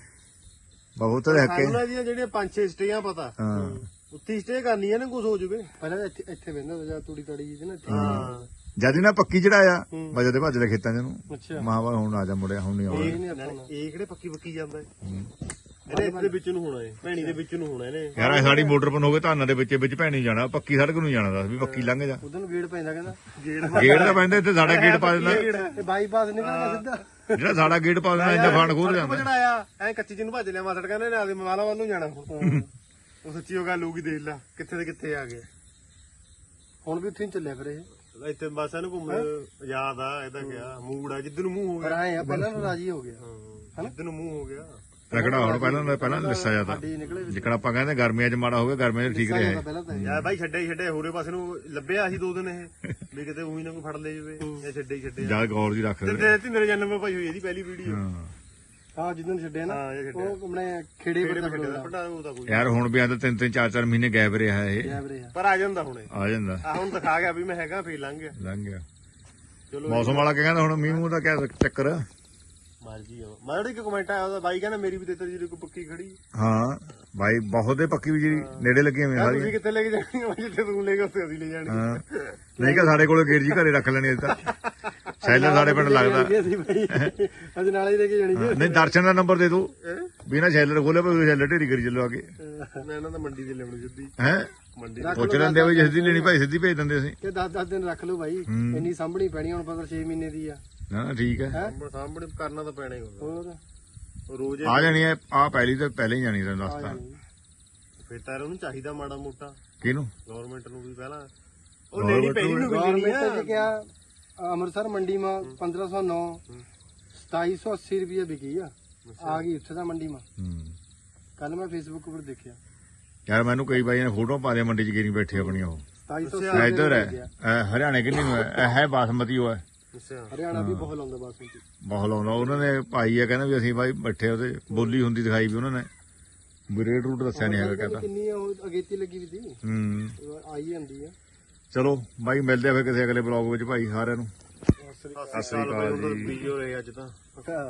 ਬਹੁਤ ਹੱਕੇ
ਉਹਨਾਂ ਦੀਆਂ ਜਿਹੜੀਆਂ ਪੰਜ ਛੇ ਸਟੇਆਂ ਪਤਾ
ਹਾਂ
ਉੱਤੀ ਸਟੇ ਕਰਨੀ ਹੈ ਨਾ ਕੁਝ ਹੋ ਜੂਵੇ।
ਪਹਿਲਾਂ ਤਾਂ ਇੱਥੇ ਇੱਥੇ ਬੈਠਾ ਜਾਂ ਤੂੜੀ ਤਾੜੀ ਜੀ ਤੇ ਨਾ ਇੱਥੇ
ਹਾਂ
ਜਦ ਇਹਨਾਂ ਪੱਕੀ ਚੜਾਇਆ
ਹੂੰ।
ਵਜੇ ਦੇ ਭੱਜ ਲੈ ਖੇਤਾਂ 'ਚ ਨੂੰ
ਅੱਛਾ
ਮਹਾਵਾ ਹੁਣ ਆ ਜਾ ਮੁੜਿਆ ਹੁਣ ਨਹੀਂ ਆਉਣਾ
ਇਹ ਨਹੀਂ ਆਪਾਂ ਨੂੰ।
ਇਹ ਕਿਹੜੇ ਪੱਕੀ ਪੱਕੀ ਜਾਂਦਾ ਹੈ ਇਹਨੇ ਇਹਦੇ ਵਿੱਚ ਨੂੰ ਹੋਣਾ ਹੈ ਭੈਣੀ ਦੇ ਵਿੱਚ ਨੂੰ ਹੋਣਾ ਇਹਨੇ।
ਯਾਰ ਇਹ ਸਾਡੀ ਮੋਟਰ ਪਨ ਹੋਵੇ ਧਾਨਾਂ ਦੇ ਵਿੱਚ ਵਿੱਚ ਭੈਣੀ ਜਾਣਾ ਪੱਕੀ ਸੜਕ ਨੂੰ ਜਾਣਾ ਦੱਸ ਵੀ ਪੱਕੀ ਲੰਘ ਜਾ
ਉਧਰ ਨੂੰ ਗੇੜ ਪੈਂਦਾ ਕਹਿੰਦਾ
ਗੇੜ
ਗੇਟ ਤਾਂ ਪੈਂਦਾ ਇੱਥੇ ਸਾਡਾ ਗੇਟ ਪਾ ਦਿੰਦਾ
ਇਹ ਬਾਈਪਾਸ ਨਿਕਲਦਾ ਸਿੱਧਾ।
ਜਿਹੜਾ ਸਾਡਾ ਗੇਟ ਪਾ ਦਿੰਦਾ ਇੰਨਾ ਫਾਨ ਖੋਲ ਜਾਂਦਾ
ਚੜਾਇਆ ਐ ਕੱਚੀ ਜਿਹਨੂੰ ਭੱਜ ਲਿਆ ਮਾਸੜ ਕਹਿੰਦੇ ਨੇ ਆਦੇ ਮਵਾਲਾ ਵੱਲ ਨੂੰ ਜਾਣਾ ਹੁਣ। ਉਹ ਸੱਚੀ ਉਹ ਗੱਲ ਹੋਊਗੀ ਦੇਖ ਲੈ ਕਿੱਥੇ ਤੇ ਕਿੱਥੇ ਆ ਗਿਆ।
ਹੁਣ ਵੀ ਉੱਥੇ ਹੀ ਚੱਲਿਆ ਫਿਰ ਇਹ।
ਇੱਥੇ ਬਸ ਇਹਨੂੰ ਘੁੰਮ ਯਾਦ ਆ ਇਹਦਾ ਕਿਹਾ ਮੂਡ ਆ ਜਿੱਦ ਨੂੰ ਮੂੰਹ ਹੋ
ਪਰ
ਗਿਆ।
ਆਏ ਆ ਪਹਿਲਾਂ ਤਾਂ ਰਾਜੀ ਹੋ ਗਿਆ
ਹਾਂ ਜਿੱਦ ਨੂੰ ਮੂੰਹ ਹੋ ਗਿਆ।
ਰਗੜਾ ਹੁਣ ਪਹਿਲਾਂ ਦਾ ਪਹਿਲਾਂ ਲਿੱਸਾ ਜਾਂਦਾ
ਸਾਡੀ ਨਿਕਲੇ
ਜਿੱਕਣ ਆਪਾਂ ਕਹਿੰਦੇ ਗਰਮੀਆਂ 'ਚ ਮਾੜਾ ਹੋ ਗਿਆ ਗਰਮੀਆਂ 'ਚ ਠੀਕ ਰਿਹਾ
ਪਹਿਲਾਂ ਤਾਂ ਇਹ।
ਯਾਰ ਬਾਈ ਛੱਡੇ ਹੀ ਛੱਡੇ ਹੋਰੇ ਪਾਸੇ ਨੂੰ ਲੱਭਿਆ ਸੀ ਦੋ ਦਿਨ ਇਹ ਵੀ ਕਿਤੇ ਉਹੀ ਨਾ ਕੋਈ ਫੜ ਲੈ ਜਾਵੇ ਇਹ ਛੱਡੇ ਹੀ ਛੱਡੇ
ਜਾ ਗੌਰ ਜੀ ਰੱਖ ਦੇ
ਤੇ ਤਿੰਨ ਜਨਮ ਪਾਈ ਹੋਈ ਇਹਦੀ ਪਹਿਲੀ ਵੀਡੀਓ।
ਹਾਂ
ਹਾਂ ਜਿੱਦਣ ਛੱਡਿਆ ਨਾ
ਹਾਂ, ਇਹ ਛੱਡਿਆ।
ਉਹ ਆਪਣੇ ਖੇੜੇ
ਕਿਹੜੇ
ਪਰ
ਛੱਡੇ ਦਾ ਫੜਾ ਉਹਦਾ ਕੋਈ
ਯਾਰ ਹੁਣ ਵੀ ਆ ਤਾਂ ਤਿੰਨ ਤਿੰਨ ਚਾਰ ਚਾਰ ਮਹੀਨੇ ਗਾਇਬ ਰਿਹਾ ਇਹ
ਗੈਬ ਰਿਹਾ।
ਪਰ ਆ ਜਾਂਦਾ ਹੁਣੇ
ਆ ਜਾਂਦਾ
ਆ ਹੁਣ ਦਿਖਾ ਗਿਆ ਵੀ ਮੈਂ ਹੈਗਾ ਫੇਰ ਲੰਘ ਗਿਆ।
ਲੰਘ ਗਿਆ
ਚਲੋ
ਮੌਸਮ ਵਾਲਾ ਕੀ ਕਹਿੰਦਾ ਹੁਣ ਮੀਂਹ ਮੂੰਹ ਦਾ ਕਿਆ ਚੱਕਰ
ਮਰਜੀ ਆ ਮਾੜੀ ਇੱਕ ਕਮੈਂਟ ਆਇਆ ਉਹਦਾ ਬਾਈ ਕਹਿੰਦਾ ਮੇਰੀ ਵੀ ਤੇਤਰ ਜੀ ਕੋਈ ਪੱਕੀ ਖੜੀ।
ਹਾਂ ਬਾਈ ਬਹੁਤ ਦੇ ਪੱਕੀ ਵੀ ਜਿਹੜੀ ਨੇੜੇ ਲੱਗੀਆਂ ਹੋਈਆਂ
ਯਾਰ
ਸਾਰੀਆਂ
ਤੁਸੀਂ ਕਿੱਥੇ ਲੈ ਕੇ ਜਾਣੀ ਆ ਜਿੱਥੇ ਤੂੰ ਲੈ ਕੇ ਉੱਥੇ ਅਸੀਂ ਲੈ ਜਾਣੀ।
ਹਾਂ ਨਹੀਂ ਕਿ ਸਾਡੇ ਕੋਲ ਗੇਰ ਜੀ ਘਰੇ ਰੱਖ ਲੈਣੀ ਅਜੇ ਤਾਂ ਸ਼ੈਲਰ ਸਾਡੇ ਪਿੰਡ ਲੱਗਦਾ
ਅਸੀਂ ਭਾਈ ਅੱਜ ਨਾਲੇ ਹੀ ਲੈ ਕੇ ਜਾਣੀ ਜੀ।
ਨਹੀਂ ਦਰਸ਼ਨ ਦਾ ਨੰਬਰ ਦੇ ਦੋ ਵੀ ਨਾ ਸ਼ੈਲਰ ਖੋਲੇ ਭਾਵੇਂ ਸ਼ੈਲਰ ਢੇਰੀ ਕਰੀ ਚੱਲੋ ਅੱਗੇ
ਮੈਂ ਇਹਨਾਂ ਦਾ ਮੰਡੀ ਤੇ ਲਿਆਉਣੀ ਸਿੱਧੀ
ਹੈ
ਮੰਡੀ
ਪੁੱਛ ਲੈਂਦੇ ਵੀ ਜਿਸ ਦੀ ਲੈਣੀ ਭਾਈ ਸਿੱਧੀ ਭੇਜ ਦਿੰਦੇ ਅਸੀਂ
ਕਿ ਦਸ ਦਸ ਦਿਨ ਰੱਖ ਲਓ ਭਾਈ
ਹੂੰ।
ਇੰਨੀ ਸਾਂਭਣੀ ਪੈਣੀ ਹੁਣ ਪਤਾ ਛੇ ਮਹੀਨੇ ਦੀ ਆ।
ਨਾ ਨਾ ਠੀਕ ਹੈ
ਸਾਹਮਣੇ ਸਾਹਮਣੇ ਕਰਨਾ ਤਾਂ ਪੈਣਾ ਹੀ ਹੁੰਦਾ
ਹੋਰ
ਉਹ ਰੋਜ਼
ਆ ਜਾਣੀ ਹੈ ਆ ਪਹਿਲੀ ਤਾਂ ਪਹਿਲਾਂ ਹੀ ਜਾਣੀ ਤੈਨੂੰ
ਆ
ਦੱਸਤਾ
ਜਾਣੀ।
ਫਿਰ ਤਾਂ ਉਹਨੂੰ ਚਾਹੀਦਾ ਮਾੜਾ ਮੋਟਾ
ਕਿਹਨੂੰ
ਗਵਰਨਮੈਂਟ ਨੂੰ ਵੀ ਪਹਿਲਾਂ ਉਹ ਲੈਣੀ ਪੈਣੀ ਨੂੰ ਮਿਲਣੀ
ਗਵਰਨਮੈਂਟ
ਆ।
ਚ ਕਿਹਾ ਅੰਮ੍ਰਿਤਸਰ ਮੰਡੀ ਮਾ ਪੰਦਰਾਂ ਸੌ ਨੌ ਸਤਾਈ ਸੌ अस्सी ਰੁਪਏ ਵਿਕੀ ਆ ਆ ਗਈ ਉੱਥੇ ਦਾ ਮੰਡੀ ਮਾ
ਹੂੰ
ਕੱਲ ਮੈਂ ਫੇਸਬੁੱਕ ਉੱਪਰ ਦੇਖਿਆ
ਯਾਰ ਮੈਨੂੰ ਕਈ ਬਾਈਆਂ ਨੇ ਫੋਟੋ ਪਾ ਦੇ ਮੰਡੀ 'ਚ ਗੇਰੀ ਬੈਠੇ ਆਪਣੀਆਂ ਉਹ
ਸਤਾਈ ਸੌ
ਇਹ ਇੱਧਰ ਹੈ ਇਹ ਹਰਿਆਣੇ ਕਿੰਨੀ ਨੂੰ ਹੈ ਇਹ ਹੈ ਬਾਸਮਤੀ ਉਹ ਹੈ
ਅੱਛਾ
ਹਰਿਆਣਾ ਵੀ ਬਹੁਤ ਲਾਉਂਦਾ ਬਾਸਮਤੀ।
ਬਹੁਤ ਲਾਉਂਦਾ ਉਹਨਾਂ ਨੇ ਭਾਈ ਆ ਕਹਿੰਦਾ ਵੀ ਅਸੀਂ ਬਾਈ ਬੈਠੇ ਉਹਦੇ ਬੋਲੀ ਹੁੰਦੀ ਦਿਖਾਈ ਵੀ ਉਹਨਾਂ ਨੇ ਵੀ ਰੇਟ ਰੂਟ ਦੱਸਿਆ ਨਹੀਂ ਹੈਗਾ ਕਹਿੰਦਾ
ਕਿੰਨੀ ਆ ਉਹ ਅਗੇਤੀ ਲੱਗੀ ਵੀ ਸੀ
ਹੂੰ
ਉਹ ਆਈ ਜਾਂਦੀ ਆ।
ਚਲੋ ਬਾਈ ਮਿਲਦੇ ਆ ਫਿਰ ਕਿਸੇ ਅਗਲੇ ਬਲੌਗ ਵਿੱਚ ਭਾਈ ਸਾਰਿਆਂ ਨੂੰ
ਸਤਿ ਸ੍ਰੀ ਅਕਾਲ ਜੀ। ਬੀਜੋ ਰਹੇ ਅੱਜ ਤਾਂ